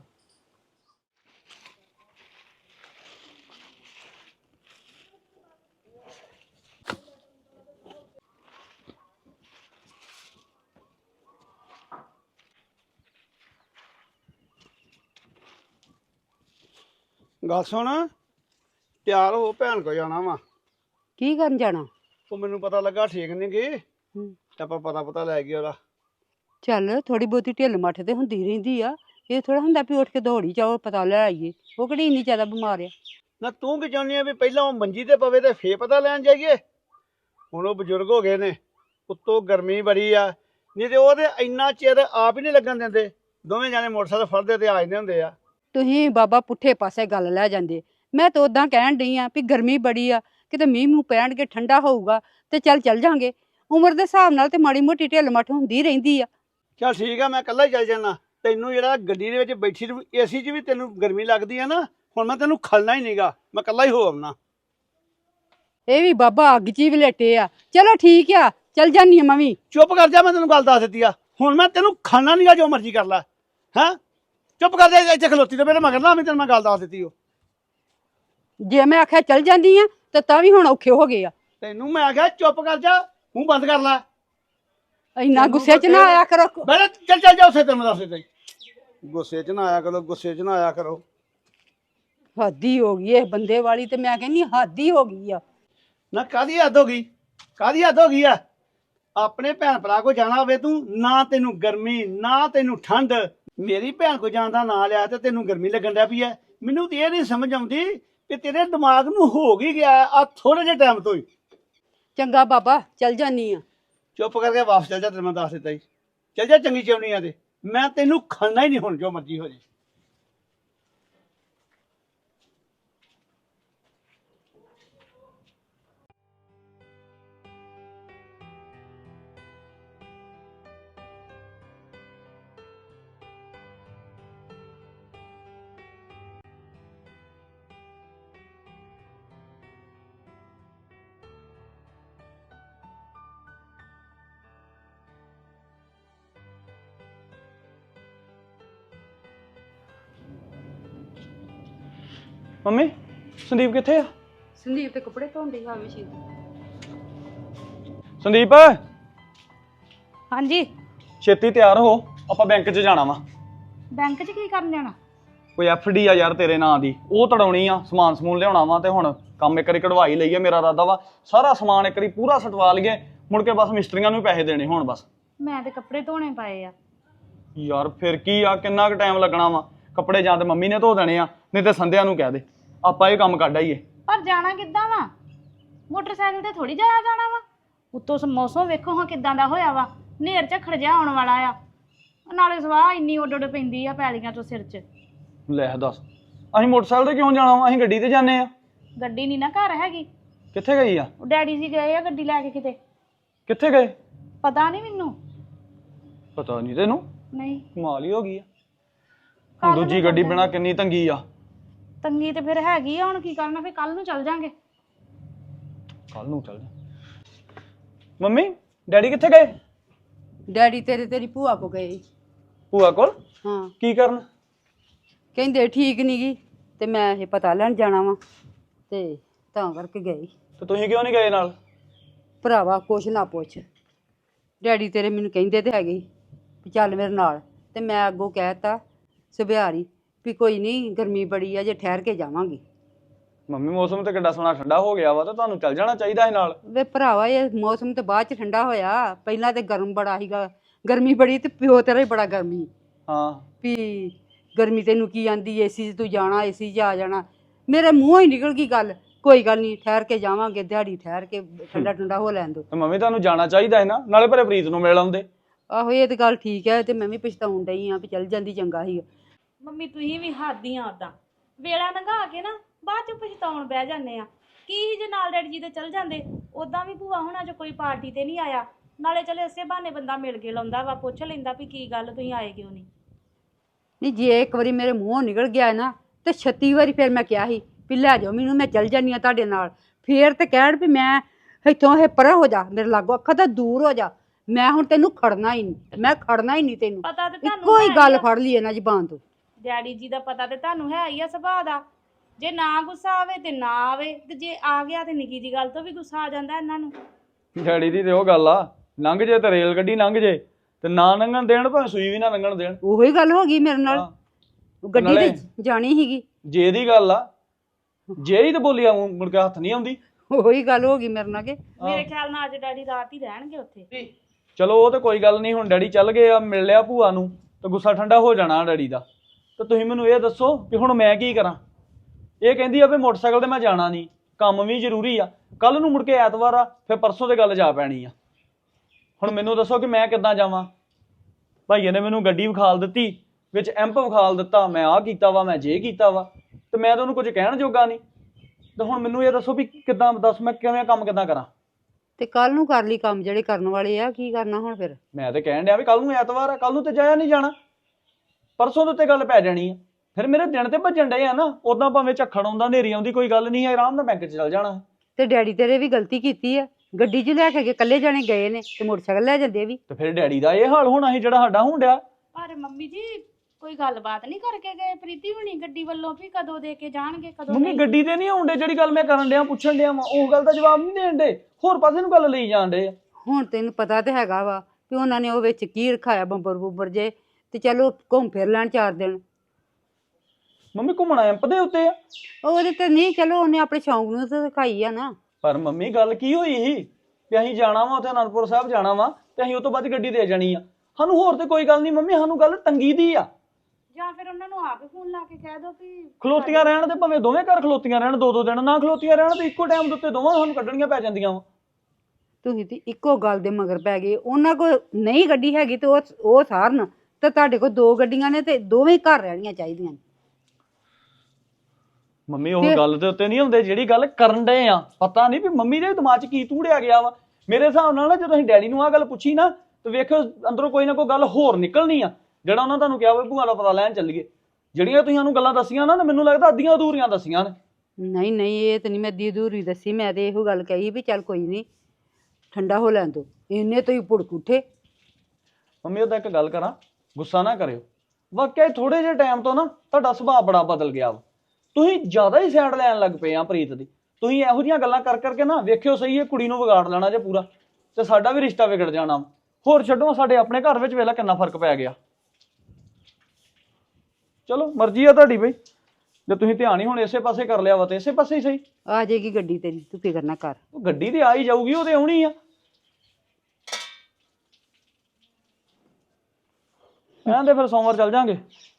[SPEAKER 4] ਗੱਲ ਸੁਣ, ਤਿਆਰ ਹੋ, ਭੈਣ ਕੋ ਜਾਣਾ ਵਾ।
[SPEAKER 3] ਕੀ ਕਰਨ ਜਾਣਾ?
[SPEAKER 4] ਉਹ ਮੈਨੂੰ ਪਤਾ ਲੱਗਾ ਠੀਕ ਨਹੀਂ ਗਏ, ਤੇ ਆਪਾਂ ਪਤਾ ਲੈ ਗਏ ਉਹਦਾ।
[SPEAKER 3] ਚੱਲ ਥੋੜੀ ਬਹੁਤੀ ਢਿੱਲ ਮੱਠ ਤੇ ਹੁੰਦੀ ਰਹਿੰਦੀ ਆ, ਇਹ ਥੋੜਾ ਹੁੰਦਾ ਵੀ ਉੱਠ ਕੇ ਦੌੜੀ ਜਾਓ ਪਤਾ ਲੈ ਆਈਏ। ਉਹ ਕਿਹੜੀ ਇੰਨੀ ਜ਼ਿਆਦਾ ਬਿਮਾਰ ਆ?
[SPEAKER 4] ਨਾ ਤੂੰ ਕੀ ਚਾਹੁੰਦੀ ਆ ਵੀ ਪਹਿਲਾਂ ਉਹ ਮੰਜੀ ਤੇ ਪਵੇ ਤੇ ਫੇਰ ਪਤਾ ਲੈਣ ਜਾਈਏ? ਹੁਣ ਉਹ ਬਜ਼ੁਰਗ ਹੋ ਗਏ ਨੇ, ਉੱਤੋਂ ਗਰਮੀ ਬੜੀ ਆ, ਨਹੀਂ ਤੇ ਉਹ ਤੇ ਇੰਨਾ ਚਿਰ ਆਪ ਹੀ ਨਹੀਂ ਲੱਗਣ ਦਿੰਦੇ, ਦੋਵੇਂ ਜਾਣੇ ਮੋਟਰਸਾਈਕਲ ਫੜਦੇ ਤੇ ਆ ਜਾਂਦੇ ਹੁੰਦੇ ਆ।
[SPEAKER 5] ਤੁਸੀਂ ਬਾਬਾ ਪੁੱਠੇ ਪਾਸੇ ਗੱਲ ਲੈ ਜਾਂਦੇ। ਮੈਂ ਤਾਂ ਉਦਾਂ ਕਹਿਣ ਡਈ ਆ ਵੀ ਗਰਮੀ ਬੜੀ ਆ, ਕਿਤੇ ਮੀਂਹ ਮੂੰਹ ਪੈਣਗੇ ਠੰਡਾ ਹੋਊਗਾ ਤੇ ਚੱਲ ਜਾਂਗੇ। ਉਮਰ ਦੇ ਹਿਸਾਬ ਨਾਲ ਤੇ ਮਾੜੀ ਮੋਟੀ ਢਿੱਲ ਮੱਠ ਹੁੰਦੀ ਰਹਿੰਦੀ ਆ।
[SPEAKER 4] ਚੱਲ ਠੀਕ ਆ, ਮੈਂ ਇਕੱਲਾ ਹੀ ਚੱਲ ਜਾਣਾ। ਤੈਨੂੰ ਜਿਹੜਾ ਗੱਡੀ ਦੇ ਵਿੱਚ ਬੈਠੀ ਏਸੀ 'ਚ ਵੀ ਤੈਨੂੰ ਗਰਮੀ ਲੱਗਦੀ ਆ ਨਾ, ਹੁਣ ਮੈਂ ਤੈਨੂੰ ਖਲਣਾ ਹੀ ਨਹੀਂਗਾ, ਮੈਂ ਇਕੱਲਾ ਹੀ ਹੋ ਆਉਣਾ।
[SPEAKER 5] ਇਹ ਵੀ ਬਾਬਾ ਅੱਗ 'ਚ ਹੀ ਵਲੇਟੇ ਆ। ਚਲੋ ਠੀਕ ਆ, ਚੱਲ ਜਾਨੀ ਆ ਮੈਂ ਵੀ।
[SPEAKER 4] ਚੁੱਪ ਕਰ ਜਾ, ਮੈਂ ਤੈਨੂੰ ਗੱਲ ਦੱਸ ਦਿੱਤੀ ਆ। ਹੁਣ ਮੈਂ ਤੈਨੂੰ ਖਲਣਾ ਨਹੀਂਗਾ, ਜੋ ਮਰਜ਼ੀ ਕਰ ਲੈ। ਹੈਂ, ਚੁੱਪ ਕਰ ਜਾ, ਇੱਥੇ ਖਲੋਤੀ ਤੇ ਮੇਰੇ ਮਗਰ ਨਾ, ਮੈਂ ਤੈਨੂੰ ਮੈਂ ਗੱਲ ਦੱਸ ਦਿੱਤੀ। ਉਹ
[SPEAKER 5] ਜੇ ਮੈਂ ਆਖਿਆ ਚੱਲ ਜਾਂਦੀ ਆ ਤੇ ਤਾਂ ਵੀ ਹੁਣ ਔਖੇ ਹੋ ਗਏ ਆ।
[SPEAKER 4] ਤੈਨੂੰ ਮੈਂ ਆਖਿਆ ਚੁੱਪ ਕਰ ਜਾ, ਮੂੰਹ ਬੰਦ ਕਰ ਲੈ।
[SPEAKER 5] ਇੰਨਾ ਗੁੱਸੇ 'ਚ ਨਾ ਆਇਆ ਕਰੋ।
[SPEAKER 4] ਬੈਠ, ਚੱਲ ਜਾ, ਉਸੇ ਤੈਨੂੰ ਦੱਸ ਦਿੱਤਾ। ਗੁੱਸੇ 'ਚ ਨਾ ਆਇਆ ਕਰੋ, ਗੁੱਸੇ 'ਚ ਨਾ ਆਇਆ ਕਰੋ।
[SPEAKER 5] ਹੱਦ ਹੀ ਹੋ ਗਈ ਇਹ ਬੰਦੇ ਵਾਲੀ, ਤੇ ਮੈਂ ਕਹਿੰਦੀ ਹੱਦ ਹੀ ਹੋ ਗਈ ਆ।
[SPEAKER 4] ਨਾ ਕਾਹਦੀ ਹੱਦ ਹੋ ਗਈ, ਕਾਹਦੀ ਹੱਦ ਹੋ ਗਈ ਆ? ਆਪਣੇ ਭੈਣ ਭਰਾ ਕੋ ਜਾਣਾ ਹੋਵੇ ਤੂੰ, ਨਾ ਤੈਨੂੰ ਗਰਮੀ ਨਾ ਤੈਨੂੰ ਠੰਡ। ਮੇਰੀ ਭੈਣ ਕੋ ਜਾਣ ਦਾ ਨਾਂ ਲਿਆ ਤੇ ਤੈਨੂੰ ਗਰਮੀ ਲੱਗਣ ਡਿਆ ਪਈ ਐ। ਮੈਨੂੰ ਤੇ ਇਹ ਨਹੀਂ ਸਮਝ ਆਉਂਦੀ ਕਿ ਤੇਰੇ ਦਿਮਾਗ ਨੂੰ ਹੋ ਗਈ ਗਿਆ ਆ ਥੋੜੇ ਜਿਹੇ ਟਾਈਮ ਤੋਂ ਹੀ।
[SPEAKER 5] ਚੰਗਾ ਬਾਬਾ, ਚੱਲ ਜਾਨੀ ਆ।
[SPEAKER 4] ਚੁੱਪ ਕਰਕੇ ਵਾਪਸ ਚੱਲ ਜਾ, ਤੈਨੂੰ ਮੈਂ ਦੱਸ ਦਿੱਤਾ ਜੀ। ਚੱਲ ਜਾ, ਚੰਗੀ ਚਾਉਣੀ ਆ ਤੇ ਮੈਂ ਤੈਨੂੰ ਖੜਨਾ ਹੀ ਨਹੀਂ, ਹੁਣ ਜੋ ਮਰਜ਼ੀ ਹੋ ਜੇ।
[SPEAKER 6] ਮੰਮੀ, ਸੰਦੀਪ ਕਿੱਥੇ ਆ?
[SPEAKER 5] ਸੰਦੀਪ ਤੇ ਕੱਪੜੇ ਧੋਂਦੀ ਆ ਮਸ਼ੀਨ।
[SPEAKER 6] ਸੰਦੀਪ,
[SPEAKER 3] ਹਾਂਜੀ।
[SPEAKER 6] ਛੇਤੀ ਤਿਆਰ ਹੋ, ਆਪਾਂ ਬੈਂਕ 'ਚ ਜਾਣਾ ਵਾ।
[SPEAKER 3] ਬੈਂਕ 'ਚ ਕੀ ਕਰਨ ਜਾਣਾ?
[SPEAKER 6] ਕੋਈ ਐਫਡੀ ਆ ਯਾਰ ਤੇਰੇ ਨਾਂ ਦੀ, ਉਹ ਤੜਾਉਣੀ ਆ, ਸਮਾਨ ਸਮੂਨ ਲਿਆਉਣਾ ਵਾ, ਤੇ ਹੁਣ ਕੰਮ ਇੱਕ ਵਾਰੀ ਕਢਵਾਈ ਲਈਏ। ਮੇਰਾ ਇਰਾਦਾ ਵਾ ਸਾਰਾ ਸਮਾਨ ਇੱਕ ਵਾਰੀ ਪੂਰਾ ਸਟਵਾ ਲਈਏ, ਮੁੜ ਕੇ ਬਸ ਮਿਸਤਰੀਆਂ ਨੂੰ ਪੈਸੇ ਦੇਣੇ ਹੁਣ ਬਸ।
[SPEAKER 3] ਮੈਂ ਤੇ ਕੱਪੜੇ ਧੋਣੇ ਪਏ ਆ।
[SPEAKER 6] ਯਾਰ ਫਿਰ ਕੀ ਆ, ਕਿੰਨਾ ਕੁ ਟਾਈਮ ਲੱਗਣਾ ਵਾ? ਕੱਪੜੇ ਜਾਂ ਤੇ ਮੰਮੀ ਨੇ ਧੋ ਦੇਣੇ ਆ, ਨਹੀਂ ਤੇ ਸੰਧਿਆ ਨੂੰ ਕਹਿ ਦੇ, ਆਪਾਂ ਇਹ ਕੰਮ ਕੱਢ ਆਈਏ।
[SPEAKER 7] ਪਰ ਜਾਣਾ ਕਿੱਦਾਂ ਵਾ? ਮੋਟਰਸਾਈਕਲ ਤੇ ਥੋੜੀ ਜਾਇਆ ਜਾਣਾ ਵਾ। ਉੱਤੋਂ ਮੌਸਮ ਵੇਖੋ ਹਾਂ ਕਿੱਦਾਂ ਦਾ ਹੋਇਆ ਵਾ, ਨੇਰ ਝੱਖੜ ਜਿਹਾ ਆਉਣ ਵਾਲਾ ਆ, ਨਾਲੇ ਸਵਾਹ ਇੰਨੀ ਉੱਡ ਉੱਡ ਪੈਂਦੀ ਆ ਪੈਲੀਆਂ ਤੋਂ ਸਿਰ 'ਚ।
[SPEAKER 6] ਲੈ ਦੱਸ, ਅਸੀਂ ਮੋਟਰਸਾਈਕਲ ਤੇ ਕਿਉਂ ਜਾਣਾ ਵਾ? ਅਸੀਂ ਗੱਡੀ ਤੇ ਜਾਂਦੇ ਆ।
[SPEAKER 7] ਗੱਡੀ ਨਹੀਂ ਨਾ ਘਰ ਹੈਗੀ,
[SPEAKER 6] ਕਿੱਥੇ ਗਈ ਆ?
[SPEAKER 7] ਉਹ ਡੈਡੀ ਜੀ ਗਏ ਆ ਗੱਡੀ ਲੈ ਕੇ ਕਿਤੇ।
[SPEAKER 6] ਕਿੱਥੇ ਗਏ?
[SPEAKER 7] ਪਤਾ ਨਹੀਂ ਮੈਨੂੰ।
[SPEAKER 6] ਪਤਾ ਨਹੀਂ ਤੈਨੂੰ?
[SPEAKER 7] ਨਹੀਂ।
[SPEAKER 6] ਕਮਾਲ ਹੀ ਹੋ ਗਈ ਆ। ਹੁਣ ਦੂਜੀ ਗੱਡੀ ਬਿਨਾ ਕਿੰਨੀ ਤੰਗੀ ਆ।
[SPEAKER 7] ਤੰਗੀ ਤੇ ਫਿਰ ਹੈਗੀ ਆ, ਹੁਣ ਕੀ ਕਰਨਾ, ਫਿਰ ਕੱਲ ਨੂੰ ਚੱਲ ਜਾਾਂਗੇ।
[SPEAKER 6] ਕੱਲ ਨੂੰ ਚੱਲ ਜਾ। ਮੰਮੀ ਡੈਡੀ ਕਿੱਥੇ ਗਏ?
[SPEAKER 5] ਡੈਡੀ ਤੇਰੀ ਭੂਆ ਕੋ ਗਏ।
[SPEAKER 6] ਭੂਆ ਕੋਲ?
[SPEAKER 5] ਹਾਂ।
[SPEAKER 6] ਕੀ ਕਰਨ?
[SPEAKER 5] ਕਹਿੰਦੇ ਠੀਕ ਨੀ ਗੀ ਤੇ ਮੈਂ ਇਹ ਪਤਾ ਲੈਣ ਜਾਣਾ ਵਾ ਤੇ ਤਾਂ ਕਰਕੇ ਗਏ।
[SPEAKER 6] ਤੇ ਤੁਸੀਂ ਕਿਉਂ ਨਹੀਂ ਗਏ ਨਾਲ?
[SPEAKER 5] ਭਰਾਵਾ ਕੁਛ ਨਾ ਪੁੱਛ, ਡੈਡੀ ਤੇਰੇ ਮੈਨੂੰ ਕਹਿੰਦੇ ਤੇ ਹੈਗੇ ਵੀ ਚੱਲ ਮੇਰੇ ਨਾਲ, ਤੇ ਮੈਂ ਅੱਗੋਂ ਕਹਿਤਾ ਸੁਭਿਆਰੀ ਵੀ ਕੋਈ ਨਹੀਂ ਗਰਮੀ ਬੜੀ ਆ, ਜੇ ਠਹਿਰ ਕੇ ਜਾਵਾਂਗੀ।
[SPEAKER 6] ਮੰਮੀ ਮੌਸਮ ਤੇ ਕਿੱਡਾ ਸੋਹਣਾ ਠੰਡਾ ਹੋ ਗਿਆ ਵਾ, ਤੇ ਤੁਹਾਨੂੰ ਚੱਲ ਜਾਣਾ ਚਾਹੀਦਾ ਹੈ ਨਾਲ।
[SPEAKER 5] ਵੇ ਭਰਾਵਾ ਇਹ ਮੌਸਮ ਤੇ ਬਾਅਦ ਚ ਠੰਡਾ ਹੋਇਆ, ਪਹਿਲਾਂ ਤੇ ਗਰਮ ਬੜਾ ਸੀਗਾ, ਗਰਮੀ ਬੜੀ ਤੇ ਪਿਓ ਤੇਰਾ ਹੀ ਬੜਾ ਗਰਮੀ।
[SPEAKER 6] ਹਾਂ
[SPEAKER 5] ਵੀ ਗਰਮੀ ਤੈਨੂੰ ਕੀ ਆਂਦੀ, ਏਸੀ 'ਚ ਤੂੰ ਜਾਣਾ, ਏਸੀ 'ਚ ਆ ਜਾਣਾ। ਮੇਰੇ ਮੂੰਹੋਂ ਹੀ ਨਿਕਲ ਗਈ ਗੱਲ, ਕੋਈ ਗੱਲ ਨਹੀਂ ਠਹਿਰ ਕੇ ਜਾਵਾਂਗੇ, ਦਿਹਾੜੀ ਠਹਿਰ ਕੇ ਠੰਡਾ ਠੰਡਾ ਹੋ ਲੈਣ ਦੋ।
[SPEAKER 6] ਤੇ ਮੰਮੀ ਤੁਹਾਨੂੰ ਜਾਣਾ ਚਾਹੀਦਾ ਹੈ ਨਾ, ਨਾਲੇ ਭਰੇ ਪ੍ਰੀਤ ਨੂੰ ਮਿਲ ਆਉਂਦੇ।
[SPEAKER 5] ਆਹੋ ਇਹ ਤੇ ਗੱਲ ਠੀਕ ਹੈ, ਤੇ ਮੈਂ ਵੀ ਪਛਤਾਉਣ ਡਈ ਆ ਵੀ ਚੱਲ ਜਾਂਦੀ ਚੰਗਾ ਸੀ।
[SPEAKER 7] ਮੰਮੀ ਤੁਸੀਂ ਵੀ ਹਾਦੀਆਂ ਉਦਾਂ ਵੇਲਾ ਲੰਘਾ ਕੇ ਨਾ ਬਾਅਦ ਚ ਪਛਤਾਉਣ ਬਹਿ ਜਾਂਦੇ ਆ। ਕੀ ਜੇ ਨਾਲ ਡੈਡੀ ਜੀ ਤੇ ਚੱਲ ਜਾਂਦੇ, ਉਦਾਂ ਵੀ ਭੂਆ ਹੁਣਾਂ ਚ ਕੋਈ ਪਾਰਟੀ ਤੇ ਨਹੀਂ ਆਇਆ, ਨਾਲੇ ਚਲੇ ਇਸੇ ਬਹਾਨੇ ਬੰਦਾ ਮਿਲ ਕੇ ਲਾਉਂਦਾ ਵਾ, ਪੁੱਛ ਲੈਂਦਾ ਵੀ ਕੀ ਗੱਲ ਤੁਸੀਂ ਆਏ ਕਿਉਂ ਨਹੀਂ।
[SPEAKER 5] ਨਹੀਂ ਜੇ ਇੱਕ ਵਾਰੀ ਮੇਰੇ ਮੂੰਹੋਂ ਨਿਕਲ ਗਿਆ ਨਾ ਤੇ 36 ਵਾਰੀ ਫਿਰ ਮੈਂ ਕਿਹਾ ਸੀ ਵੀ ਲੈ ਜਾਓ ਮੈਨੂੰ, ਮੈਂ ਚੱਲ ਜਾਂਦੀ ਆ ਤੁਹਾਡੇ ਨਾਲ। ਫੇਰ ਤੇ ਕਹਿਣ ਵੀ ਮੈਂ ਇੱਥੋਂ ਇਹ ਪਰਾਂ ਹੋ ਜਾ, ਮੇਰੇ ਲਾਗੋਂ ਅੱਖਾਂ ਤਾਂ ਦੂਰ ਹੋ ਜਾ, ਮੈਂ ਹੁਣ ਤੈਨੂੰ ਖੜਨਾ ਹੀ ਨਹੀਂ, ਮੈਂ ਖੜਨਾ ਹੀ ਨਹੀਂ ਤੈਨੂੰ।
[SPEAKER 7] ਪਤਾ ਤੇ ਤੁਹਾਨੂੰ
[SPEAKER 5] ਕੋਈ
[SPEAKER 7] ਹੈ
[SPEAKER 5] ਗੱਲ
[SPEAKER 7] ਹੀ ਆ।
[SPEAKER 5] ਫੜ ਲਈ ਇਹਨਾਂ ਜ਼ਬਾਨ ਤੋਂ।
[SPEAKER 7] ਡੈਡੀ ਜੀ ਦਾ ਪਤਾ ਤੇ ਤੁਹਾਨੂੰ ਹੈ ਹੀ ਆ ਸੁਭਾਅ ਦਾ, ਜੇ ਨਾ ਗੁੱਸਾ ਆਵੇ ਤੇ ਨਾ ਆਵੇ, ਤੇ ਜੇ ਆ ਗਿਆ ਤੇ ਨਿੱਕੀ ਜੀ ਗੱਲ ਤੋਂ ਵੀ ਗੁੱਸਾ ਆ ਜਾਂਦਾ ਇਹਨਾਂ ਨੂੰ।
[SPEAKER 6] ਡੈਡੀ ਦੀ ਤੇ ਉਹ ਗੱਲ ਆ, ਲੰਘ ਜੇ ਤੇ ਰੇਲ ਗੱਡੀ ਲੰਘ ਜੇ, ਤੇ ਨਾ ਲੰਘਣ ਦੇਣ ਭਾਵੇਂ ਸੂਈ ਵੀ ਨਾ ਲੰਘਣ ਦੇਣ।
[SPEAKER 5] ਉਹੀ ਗੱਲ ਹੋ ਗਈ ਮੇਰੇ ਨਾਲ, ਗੱਡੀ ਤੇ ਜਾਣੀ ਸੀਗੀ।
[SPEAKER 6] ਜੇ ਦੀ ਗੱਲ ਆ, ਜੇ ਹੀ ਤੇ ਬੋਲੀ ਆ ਮੁੜ ਕੇ ਹੱਥ ਨਹੀਂ ਆਉਂਦੀ।
[SPEAKER 5] ਉਹੀ ਗੱਲ ਹੋ ਗਈ ਮੇਰੇ ਨਾਲ ਕਿ
[SPEAKER 7] ਮੇਰੇ ਖਿਆਲ ਨਾਲ ਅੱਜ ਡੈਡੀ ਰਾਤ ਹੀ ਰਹਿਣਗੇ ਉੱਥੇ।
[SPEAKER 6] ਚਲੋ ਉਹ ਤੇ ਕੋਈ ਗੱਲ ਨਹੀਂ, ਹੁਣ ਡੈਡੀ ਚੱਲ ਗਏ ਆ, ਮਿਲ ਲਿਆ ਭੂਆ ਨੂੰ ਤੇ ਗੁੱਸਾ ਠੰਡਾ ਹੋ ਜਾਣਾ ਡੈਡੀ ਦਾ। ਤੇ ਤੁਸੀਂ ਮੈਨੂੰ ਇਹ ਦੱਸੋ ਕਿ ਹੁਣ ਮੈਂ ਕੀ ਕਰਾਂ? ਇਹ ਕਹਿੰਦੀ ਆ ਵੀ ਮੋਟਰਸਾਈਕਲ ਤੇ ਮੈਂ ਜਾਣਾ ਨਹੀਂ, ਕੰਮ ਵੀ ਜ਼ਰੂਰੀ ਆ, ਕੱਲ ਨੂੰ ਮੁੜ ਕੇ ਐਤਵਾਰ ਆ, ਫਿਰ ਪਰਸੋਂ ਤੇ ਗੱਲ ਜਾ ਪੈਣੀ ਆ। ਹੁਣ ਮੈਨੂੰ ਦੱਸੋ ਕਿ ਮੈਂ ਕਿੱਦਾਂ ਜਾਵਾਂ? ਭਾਈਏ ਨੇ ਮੈਨੂੰ ਗੱਡੀ ਵਿਖਾਲ ਦਿੱਤੀ, ਵਿੱਚ ਐਂਪ ਵਿਖਾਲ ਦਿੱਤਾ, ਮੈਂ ਆਹ ਕੀਤਾ ਵਾ, ਮੈਂ ਜੇ ਕੀਤਾ ਵਾ, ਤੇ ਮੈਂ ਤਾਂ ਉਹਨੂੰ ਕੁਝ ਕਹਿਣ ਜੋਗਾ ਨਹੀਂ। ਤੇ ਹੁਣ ਮੈਨੂੰ ਇਹ ਦੱਸੋ ਵੀ ਕਿੱਦਾਂ, ਦੱਸ ਮੈਂ ਕਿਵੇਂ ਕੰਮ ਕਿੱਦਾਂ ਕਰਾਂ?
[SPEAKER 5] ਤੇ ਕੱਲ ਨੂੰ ਕਰ ਲਈ ਕੰਮ ਜਿਹੜੇ ਕਰਨ ਵਾਲੇ ਆ, ਕੀ ਕਰਨਾ ਹੁਣ ਫਿਰ?
[SPEAKER 6] ਮੈਂ ਤੇ ਕਹਿਣ ਡਿਆ ਵੀ ਕੱਲ ਨੂੰ ਐਤਵਾਰ ਆ, ਕੱਲ ਨੂੰ ਤੇ ਜਾਇਆ ਨਹੀਂ ਜਾਣਾ, ਪਰਸੋਂ ਦੇ ਉੱਤੇ ਗੱਲ ਪੈ ਜਾਣੀ ਆ। ਫਿਰ ਮੇਰੇ ਦਿਨ ਤੇ ਭੱਜਣ ਡਏ ਆ ਨਾ, ਉਦਾਂ ਭਾਵੇਂ ਝੱਖੜ ਆਉਂਦਾ, ਹਨੇਰੀ ਆਉਂਦੀ, ਕੋਈ ਗੱਲ ਨਹੀਂ ਹੈ, ਆਰਾਮ ਨਾਲ ਬੈਂਕ 'ਚ ਚੱਲ ਜਾਣਾ।
[SPEAKER 5] ਤੇ ਡੈਡੀ ਤੇਰੇ ਵੀ ਗਲਤੀ ਕੀਤੀ ਆ, ਗੱਡੀ 'ਚ ਲੈ ਕੇ ਗਏ, ਇਕੱਲੇ ਜਾਣੇ ਗਏ ਨੇ ਤੇ ਮੋਟਰਸਾਈਕਲ ਲੈ ਜਾਂਦੇ ਵੀ।
[SPEAKER 6] ਤੇ ਫਿਰ ਡੈਡੀ ਦਾ ਇਹ ਹਾਲ ਹੋਣਾ ਸੀ ਜਿਹੜਾ ਸਾਡਾ ਹੋਣ ਡਿਆ।
[SPEAKER 7] ਪਰ ਮੰਮੀ ਜੀ ਕੋਈ ਗੱਲਬਾਤ ਨਹੀਂ ਕਰਕੇ ਗਏ ਪ੍ਰੀਤੀ ਹੁਣੀ ਗੱਡੀ ਵੱਲੋਂ ਵੀ ਕਦੋਂ ਦੇ ਕੇ ਜਾਣਗੇ, ਕਦੋਂ
[SPEAKER 6] ਮੰਮੀ
[SPEAKER 7] ਨਹੀਂ?
[SPEAKER 6] ਗੱਡੀ ਤੇ ਨਹੀਂ ਆਉਂਦੇ, ਜਿਹੜੀ ਗੱਲ ਮੈਂ ਕਰਨ ਡਿਆ ਪੁੱਛਣ ਡਿਆ ਵਾ ਉਹ ਗੱਲ ਦਾ ਜਵਾਬ ਨਹੀਂ ਦੇਣ ਡੇ, ਹੋਰ ਪਾਸੇ ਨੂੰ ਗੱਲ ਲਈ ਜਾਣ ਡੇ ਆ।
[SPEAKER 5] ਹੁਣ ਤੈਨੂੰ ਪਤਾ ਤੇ ਹੈਗਾ ਵਾ ਕਿ ਉਹਨਾਂ ਨੇ ਉਹ ਵਿੱਚ ਕੀ ਰਖਾਇਆ, ਬੰਬਰ ਬੁੰਬਰ ਜੇ, ਤੇ ਚਲੋ ਘੁੰਮ ਫਿਰ ਲੈਣ 4 ਦਿਨ।
[SPEAKER 6] ਮੰਮੀ ਘੁੰਮਣਾ ਐਂਪ ਦੇ ਉੱਤੇ ਆ?
[SPEAKER 5] ਉਹਦੇ ਤੇ ਨਹੀਂ, ਚਲੋ ਉਹਨੇ ਆਪਣੇ ਸ਼ੌਂਕ ਨੂੰ ਤਾਂ ਦਿਖਾਈ ਆ ਨਾ।
[SPEAKER 6] ਪਰ ਮੰਮੀ ਗੱਲ ਕੀ ਹੋਈ ਸੀ ਵੀ ਅਸੀਂ ਜਾਣਾ ਵਾ ਉੱਥੇ ਅਨੰਦਪੁਰ ਸਾਹਿਬ ਜਾਣਾ ਵਾ, ਤੇ ਅਸੀਂ ਉਹ ਤੋਂ ਬਾਅਦ ਗੱਡੀ ਦੇ ਜਾਣੀ ਆ। ਸਾਨੂੰ ਹੋਰ ਤੇ ਕੋਈ ਗੱਲ ਨਹੀਂ ਮੰਮੀ, ਸਾਨੂੰ ਗੱਲ ਤੰਗੀ ਦੀ ਆ।
[SPEAKER 7] ਜਾਂ ਫਿਰ ਉਹਨਾਂ ਨੂੰ ਆਪ ਹੀ ਫੋਨ ਲਾ ਕੇ ਕਹਿ ਦੋ ਵੀ
[SPEAKER 6] ਖਲੋਤੀਆਂ ਰਹਿਣ ਤੇ ਭਾਵੇਂ ਦੋਵੇਂ ਘਰ ਖਲੋਤੀਆਂ ਰਹਿਣ, 2-2 ਦਿਨ ਨਾ ਖਲੋਤੀਆਂ ਰਹਿਣ, ਤੇ ਇੱਕੋ ਟਾਈਮ ਦੇ ਉੱਤੇ ਦੋਵਾਂ ਸਾਨੂੰ ਕੱਢਣੀਆਂ ਪੈ ਜਾਂਦੀਆਂ ਵਾ।
[SPEAKER 5] ਤੁਸੀਂ ਤੇ ਇੱਕੋ ਗੱਲ ਦੇ ਮਗਰ ਪੈ ਗਏ। ਉਹਨਾਂ ਕੋਲ ਨਹੀਂ ਗੱਡੀ ਹੈਗੀ ਤੇ ਉਹ ਸਾਰਨ, ਤੇ ਤੁਹਾਡੇ ਕੋਲ 2 ਗੱਡੀਆਂ ਨੇ ਤੇ ਦੋਵੇਂ ਘਰ ਰਹਿਣੀਆਂ ਚਾਹੀਦੀਆਂ ਨੇ।
[SPEAKER 6] ਮੰਮੀ ਉਹ ਗੱਲ ਦੇ ਉੱਤੇ ਨਹੀਂ ਹੁੰਦੇ ਜਿਹੜੀ ਗੱਲ ਕਰਨ ਡਏ ਆ। ਪਤਾ ਨਹੀਂ ਵੀ ਮੰਮੀ ਦੇ ਦਿਮਾਗ 'ਚ ਕੀ ਤੂੜਿਆ ਗਿਆ ਵਾ। ਮੇਰੇ ਹਿਸਾਬ ਨਾਲ ਨਾ ਜਦੋਂ ਅਸੀਂ ਡੈਡੀ ਨੂੰ ਆਹ ਗੱਲ ਪੁੱਛੀ ਨਾ, ਤੇ ਵੇਖਿਓ ਅੰਦਰੋਂ ਕੋਈ ਨਾ ਕੋਈ ਗੱਲ ਹੋਰ ਨਿਕਲਣੀ ਆ, ਜਿਹੜਾ ਉਹਨਾਂ ਤੁਹਾਨੂੰ ਕਿਹਾ ਵੀ ਭੂਆ ਦਾ ਪਤਾ ਲੈਣ ਚੱਲੀਏ। ਜਿਹੜੀਆਂ ਤੁਸੀਂ ਸਾਨੂੰ ਗੱਲਾਂ ਦੱਸੀਆਂ ਨਾ, ਮੈਨੂੰ ਲੱਗਦਾ ਅੱਧੀਆਂ ਅਧੂਰੀਆਂ ਦੱਸੀਆਂ ਨੇ।
[SPEAKER 5] ਨਹੀਂ ਨਹੀਂ, ਇਹ ਤਾਂ ਨਹੀਂ ਮੈਂ ਅੱਧੀ ਅਧੂਰੀ ਦੱਸੀ, ਮੈਂ ਤੇ ਇਹੋ ਗੱਲ ਕਹੀ ਵੀ ਚੱਲ ਕੋਈ ਨਹੀਂ ਠੰਡਾ ਹੋ ਲੈਣ ਦੋ, ਇੰਨੇ ਤੋਂ ਹੀ ਭੁੜਕ ਉੱਠੇ।
[SPEAKER 6] ਮੰਮੀ ਉਹਦਾ ਇੱਕ ਗੱਲ ਕਰਾਂ, ਗੁੱਸਾ ਨਾ ਕਰਿਓ, ਵਾਕਿਆ ਥੋੜੇ ਜਿਹੇ ਟਾਈਮ ਤੋਂ ਨਾ ਤੁਹਾਡਾ ਸੁਭਾਅ ਬੜਾ ਬਦਲ ਗਿਆ ਵਾ। ਤੁਸੀਂ ਜ਼ਿਆਦਾ ਹੀ ਸਾਈਡ ਲੈਣ ਲੱਗ ਪਏ ਆ ਪ੍ਰੀਤ ਦੀ। ਤੁਸੀਂ ਇਹੋ ਜਿਹੀਆਂ ਗੱਲਾਂ ਕਰ ਕਰਕੇ ਨਾ ਵੇਖਿਓ ਸਹੀ, ਇਹ ਕੁੜੀ ਨੂੰ ਵਿਗਾੜ ਲੈਣਾ ਜੇ ਪੂਰਾ, ਤੇ ਸਾਡਾ ਵੀ ਰਿਸ਼ਤਾ ਵਿਗੜ ਜਾਣਾ। ਹੋਰ ਛੱਡੋ, ਸਾਡੇ ਆਪਣੇ ਘਰ ਵਿੱਚ ਵੇਲਾ ਕਿੰਨਾ ਫਰਕ ਪੈ ਗਿਆ। ਚਲੋ ਮਰਜ਼ੀ ਆ ਤੁਹਾਡੀ ਬਈ, ਜੇ ਤੁਸੀਂ ਧਿਆਨ ਹੀ ਹੁਣ ਇਸੇ ਪਾਸੇ ਕਰ ਲਿਆ ਵਾ ਤੇ ਇਸੇ ਪਾਸੇ ਹੀ ਸਹੀ।
[SPEAKER 5] ਆ ਜਾਏਗੀ ਗੱਡੀ ਤੇਰੀ, ਤੂੰ ਫਿਕਰ ਨਾ ਕਰ।
[SPEAKER 6] ਉਹ ਗੱਡੀ ਤੇ ਆ ਹੀ ਜਾਊਗੀ, ਉਹ ਤੇ ਆਉਣੀ ਆ। ਕਹਿੰਦੇ ਫਿਰ ਸੋਮਵਾਰ ਚੱਲ ਜਾਾਂਗੇ।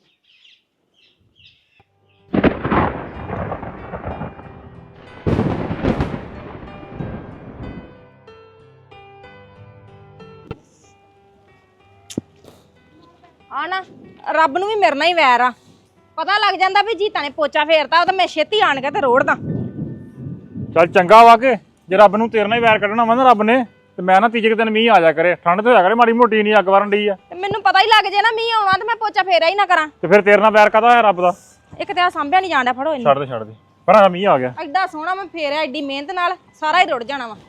[SPEAKER 8] ਆ ਨਾ ਰੱਬ ਨੂੰ ਵੀ ਮੇਰੇ ਨਾਲ ਹੀ ਵੈਰ ਆ। ਪਤਾ ਲੱਗ ਜਾਂਦਾ ਵੀ ਜੀਤਾ ਨੇ ਪੋਚਾ ਫੇਰਤਾ ਉਹ ਤਾਂ ਮੈਂ ਛੇਤੀ ਆਣ ਕੇ ਤੇ ਰੋੜਦਾ।
[SPEAKER 9] ਚੱਲ ਚੰਗਾ ਵਾ ਕੇ ਜੇ ਰੱਬ ਨੂੰ ਤੇਰੇ ਨਾਲ ਹੀ ਵੈਰ ਕੱਢਣਾ ਵਾ ਨਾ ਰੱਬ ਨੇ ਤੇ ਮੈਂ ਨਾ ਤੀਜੇ ਕੁ ਦਿਨ ਮੀਂਹ ਆ ਜਾ ਕਰੇ, ਠੰਡ ਤੇ ਹੋਇਆ ਕਰੇ ਮਾੜੀ ਮੋਟੀ, ਨਹੀਂ ਅੱਗ ਵਰਨ ਡਈ ਆ।
[SPEAKER 8] ਤੇ ਮੈਨੂੰ ਪਤਾ ਹੀ ਲੱਗ ਜੇ ਨਾ ਮੀਂਹ ਆਉਣਾ ਤੇ ਮੈਂ ਪੋਚਾ ਫੇਰਿਆ ਹੀ ਨਾ ਕਰਾਂ।
[SPEAKER 9] ਤੇ ਫਿਰ ਤੇਰੇ ਨਾਲ ਵੈਰ ਕਾਹਦਾ ਹੋਇਆ ਰੱਬ ਦਾ?
[SPEAKER 8] ਇੱਕ ਤੇ ਆ ਸਾਂਭਿਆ ਨਹੀਂ ਜਾਣਦਾ, ਫੜੋ ਇਹਨੂੰ।
[SPEAKER 9] ਛੱਡ ਦੇ ਪਰ ਮੀਂਹ ਆ ਗਿਆ।
[SPEAKER 8] ਐਡਾ ਸੋਹਣਾ ਮੈਂ ਫੇਰਿਆ ਐਡੀ ਮਿਹਨਤ ਨਾਲ, ਸਾਰਾ ਹੀ ਰੁੜ ਜਾਣਾ ਵਾ।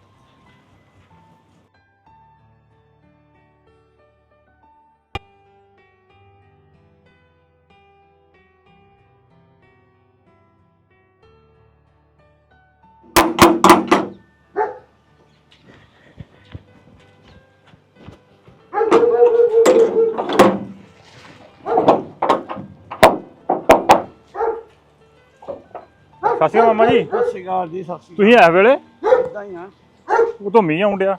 [SPEAKER 9] ਸਤਿ ਸ਼੍ਰੀ ਅਕਾਲ ਮਾਮਾ ਜੀ।
[SPEAKER 4] ਸਤਿ ਸ਼੍ਰੀ ਅਕਾਲ ਜੀ, ਸਤਿ ਸ਼੍ਰੀ
[SPEAKER 9] ਤੁਸੀਂ ਐ ਵੇਲੇ?
[SPEAKER 4] ਅਕਾਲ ਹੀ ਆ।
[SPEAKER 9] ਉਹ ਤੋਂ ਮੀਂਹ ਆਉਣ ਡਿਆ।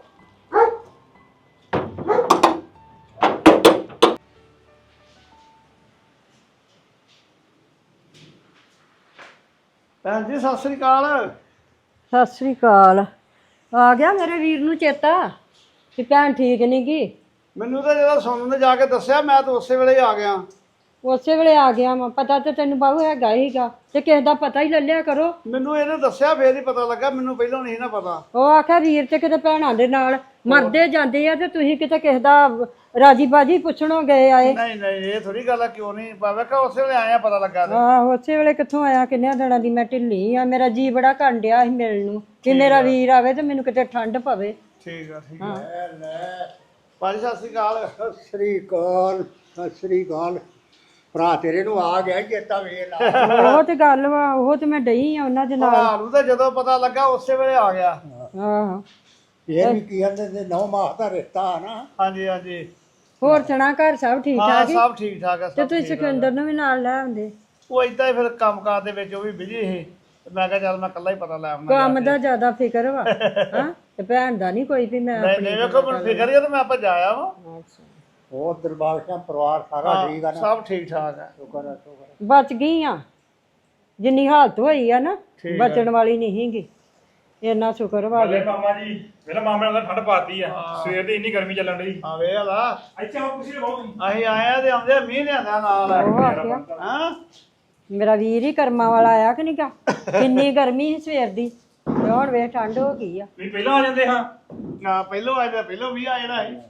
[SPEAKER 4] ਭੈਣ ਜੀ ਸਤਿ ਸ਼੍ਰੀ ਅਕਾਲ।
[SPEAKER 10] ਸਤਿ ਸ੍ਰੀ ਅਕਾਲ। ਆ ਗਿਆ ਮੇਰੇ ਵੀਰ ਨੂੰ ਚੇਤਾ ਕਿ ਭੈਣ ਠੀਕ ਨਹੀਂ ਗੀ?
[SPEAKER 4] ਮੈਨੂੰ ਤਾਂ ਜਦੋਂ ਸੋਨੂੰ ਨੇ ਜਾ ਕੇ ਦੱਸਿਆ ਮੈਂ ਤਾਂ ਉਸੇ ਵੇਲੇ ਹੀ ਆ ਗਿਆ।
[SPEAKER 10] ਉਸੇ ਵੇਲੇ ਆ ਗਿਆ ਵਾ, ਪਤਾ ਤੇ ਤੈਨੂੰ ਬਾਹੂ ਹੈਗਾ ਹੀਗਾ, ਤੇ ਕਿਸੇ ਦਾ ਪਤਾ ਹੀ ਲੈ ਲਿਆ ਕਰੋ।
[SPEAKER 4] ਮੈਨੂੰ ਇਹਨੇ ਦੱਸਿਆ ਫੇਰ ਹੀ ਪਤਾ ਲੱਗਾ, ਮੈਨੂੰ ਪਹਿਲਾਂ ਨਹੀਂ ਨਾ ਪਤਾ।
[SPEAKER 10] ਉਹ ਆਖਿਆ ਵੀਰ ਤੇ ਕਿਤੇ ਭੈਣਾਂ ਦੇ ਨਾਲ ਮਰਦੇ ਜਾਂਦੇ ਆ ਤੇ ਤੁਸੀਂ ਕਿਤੇ ਕਿਸੇ ਦਾ ਰਾਜੀ ਬਾਜੀ ਪੁੱਛਣੋਂ ਗਏ ਆਏ।
[SPEAKER 4] ਨਹੀਂ ਨਹੀਂ ਇਹ ਥੋੜੀ ਗੱਲ ਆ, ਕਿਉਂ ਨਹੀਂ ਪਾਵੇ ਕਿ ਉਸੇ ਵੇਲੇ ਆਇਆ ਪਤਾ ਲੱਗਾ ਤੇ।
[SPEAKER 10] ਆਹੋ ਉਸੇ ਵੇਲੇ ਕਿੱਥੋਂ ਆਇਆ, ਕਿੰਨਿਆਂ ਦਿਨਾਂ ਦੀ ਮੈਂ ਢਿੱਲੀ ਆ, ਮੇਰਾ ਜੀ ਬੜਾ ਘਣ ਡਿਆ ਸੀ ਮਿਲਣ ਨੂੰ ਕਿ ਮੇਰਾ ਵੀਰ ਆਵੇ ਤੇ ਮੈਨੂੰ ਕਿਤੇ ਠੰਡ ਪਵੇ।
[SPEAKER 4] ਠੀਕ ਆ ਠੀਕ ਆ। ਭਾਜੀ ਸਤਿ ਸ਼੍ਰੀ ਅਕਾਲ।
[SPEAKER 11] ਸਤਿ ਸ੍ਰੀ ਅਕਾਲ, ਸਤਿ ਸ੍ਰੀ ਅਕਾਲ। ਭਰਾ ਤੇਰੇ ਨੂੰ ਆ ਗਿਆ ਚੇਤਾ ਵੇਖ ਲਾ।
[SPEAKER 10] ਉਹ ਤੇ ਗੱਲ ਵਾ, ਉਹ ਤੇ ਮੈਂ ਡਈ ਆ ਉਹਨਾਂ ਦੇ ਨਾਲ।
[SPEAKER 4] ਭਰਾ ਨੂੰ ਤਾਂ ਜਦੋਂ ਪਤਾ ਲੱਗਾ ਉਸੇ ਵੇਲੇ ਆ ਗਿਆ।
[SPEAKER 10] ਆਹੋ
[SPEAKER 11] ਇਹ ਵੀ ਕੀ ਕਹਿੰਦੇ ਤੇ 9 ਮਾਹ ਦਾ ਰਿਸ਼ਤਾ ਆ ਨਾ।
[SPEAKER 4] ਹਾਂਜੀ ਹਾਂਜੀ।
[SPEAKER 10] ਹੋਰ ਸੁਣਾ, ਘਰ ਸਭ ਠੀਕ
[SPEAKER 4] ਹਾਂ
[SPEAKER 10] ਠਾਕ?
[SPEAKER 4] ਸਭ ਠੀਕ ਠਾਕ ਆ।
[SPEAKER 10] ਤੇ ਤੁਸੀਂ ਸਿਕੰਦਰ ਨੂੰ ਵੀ ਨਾਲ ਲੈ ਆਉਂਦੇ।
[SPEAKER 4] ਉਹ ਏਦਾਂ ਹੀ ਫਿਰ ਕੰਮਕਾਰ ਦੇ ਵਿੱਚ ਉਹ ਵੀ ਬਿਜੀ ਸੀ, ਮੈਂ ਕਿਹਾ ਚੱਲ ਮੈਂ ਇਕੱਲਾ ਹੀ ਪਤਾ ਲੈ ਆਉਣਾ।
[SPEAKER 10] ਕੰਮ ਦਾ ਜ਼ਿਆਦਾ ਫਿਕਰ ਵਾ ਹਾਂ, ਤੇ ਭੈਣ ਦਾ ਨਹੀਂ ਕੋਈ ਵੀ ਮੈਂ
[SPEAKER 4] ਨਹੀਂ ਨਹੀਂ ਵੇਖੋ ਮੈਨੂੰ ਫਿਕਰ ਹੀ ਆ ਤੇ ਮੈਂ ਆਪਾਂ ਜਾਇਆ ਵਾ।
[SPEAKER 11] ਹੋਰ ਦਰਬਾਰ ਸਿੰਘ ਪਰਿਵਾਰ ਸਾਰਾ ਠੀਕ ਆ ਨਾ?
[SPEAKER 4] ਸਭ ਠੀਕ ਠਾਕ ਆ।
[SPEAKER 11] ਸ਼ੁਕਰ ਆ ਸ਼ੁਕਰ।
[SPEAKER 10] ਬਚ ਗਈ ਆ, ਜਿੰਨੀ ਹਾਲਤ ਹੋਈ ਆ ਨਾ ਬਚਣ ਵਾਲੀ ਨਹੀਂ ਸੀਗੀ, ਇੰਨਾ ਸ਼ੁਕਰ ਵਾ।
[SPEAKER 9] ਮਾਮਾ ਜੀ ਵੇਲੇ ਮਾਮੇ ਨਾਲ ਠੰਡ ਪਾਤੀ ਆ, ਸਵੇਰ ਦੀ ਇੰਨੀ ਗਰਮੀ ਚੱਲਣ ਡਈ।
[SPEAKER 4] ਆ ਵੇਖ ਲਾ,
[SPEAKER 9] ਇੱਥੇ ਆਓ ਕੁਰਸੀ ਲਗਾਓ ਤੁਸੀਂ।
[SPEAKER 4] ਅਸੀਂ ਆਏ ਆ ਤੇ ਆਉਂਦੇ ਮੀਂਹ ਲਿਆਂਦਾ ਨਾਲ।
[SPEAKER 10] ਉਹ ਆਖਿਆ
[SPEAKER 4] ਹਾਂ
[SPEAKER 10] ਮੇਰਾ ਵੀਰ ਹੀ ਕਰਮਾਂ ਵਾਲਾ ਆਇਆ ਕਿ ਨਹੀਂ ਗਾ, ਕਿੰਨੀ ਗਰਮੀ ਸੀ ਸਵੇਰ ਦੀ, ਤੇ ਹੁਣ ਵੇਖ ਠੰਡ ਹੋ ਗਈ ਆ।
[SPEAKER 9] ਤੁਸੀਂ ਪਹਿਲਾਂ ਆ ਜਾਂਦੇ ਹਾਂ।
[SPEAKER 4] ਨਾ ਪਹਿਲੋਂ ਆਏ ਤਾਂ ਪਹਿਲੋਂ ਵੀ ਆ ਜਾਣਾ ਸੀ।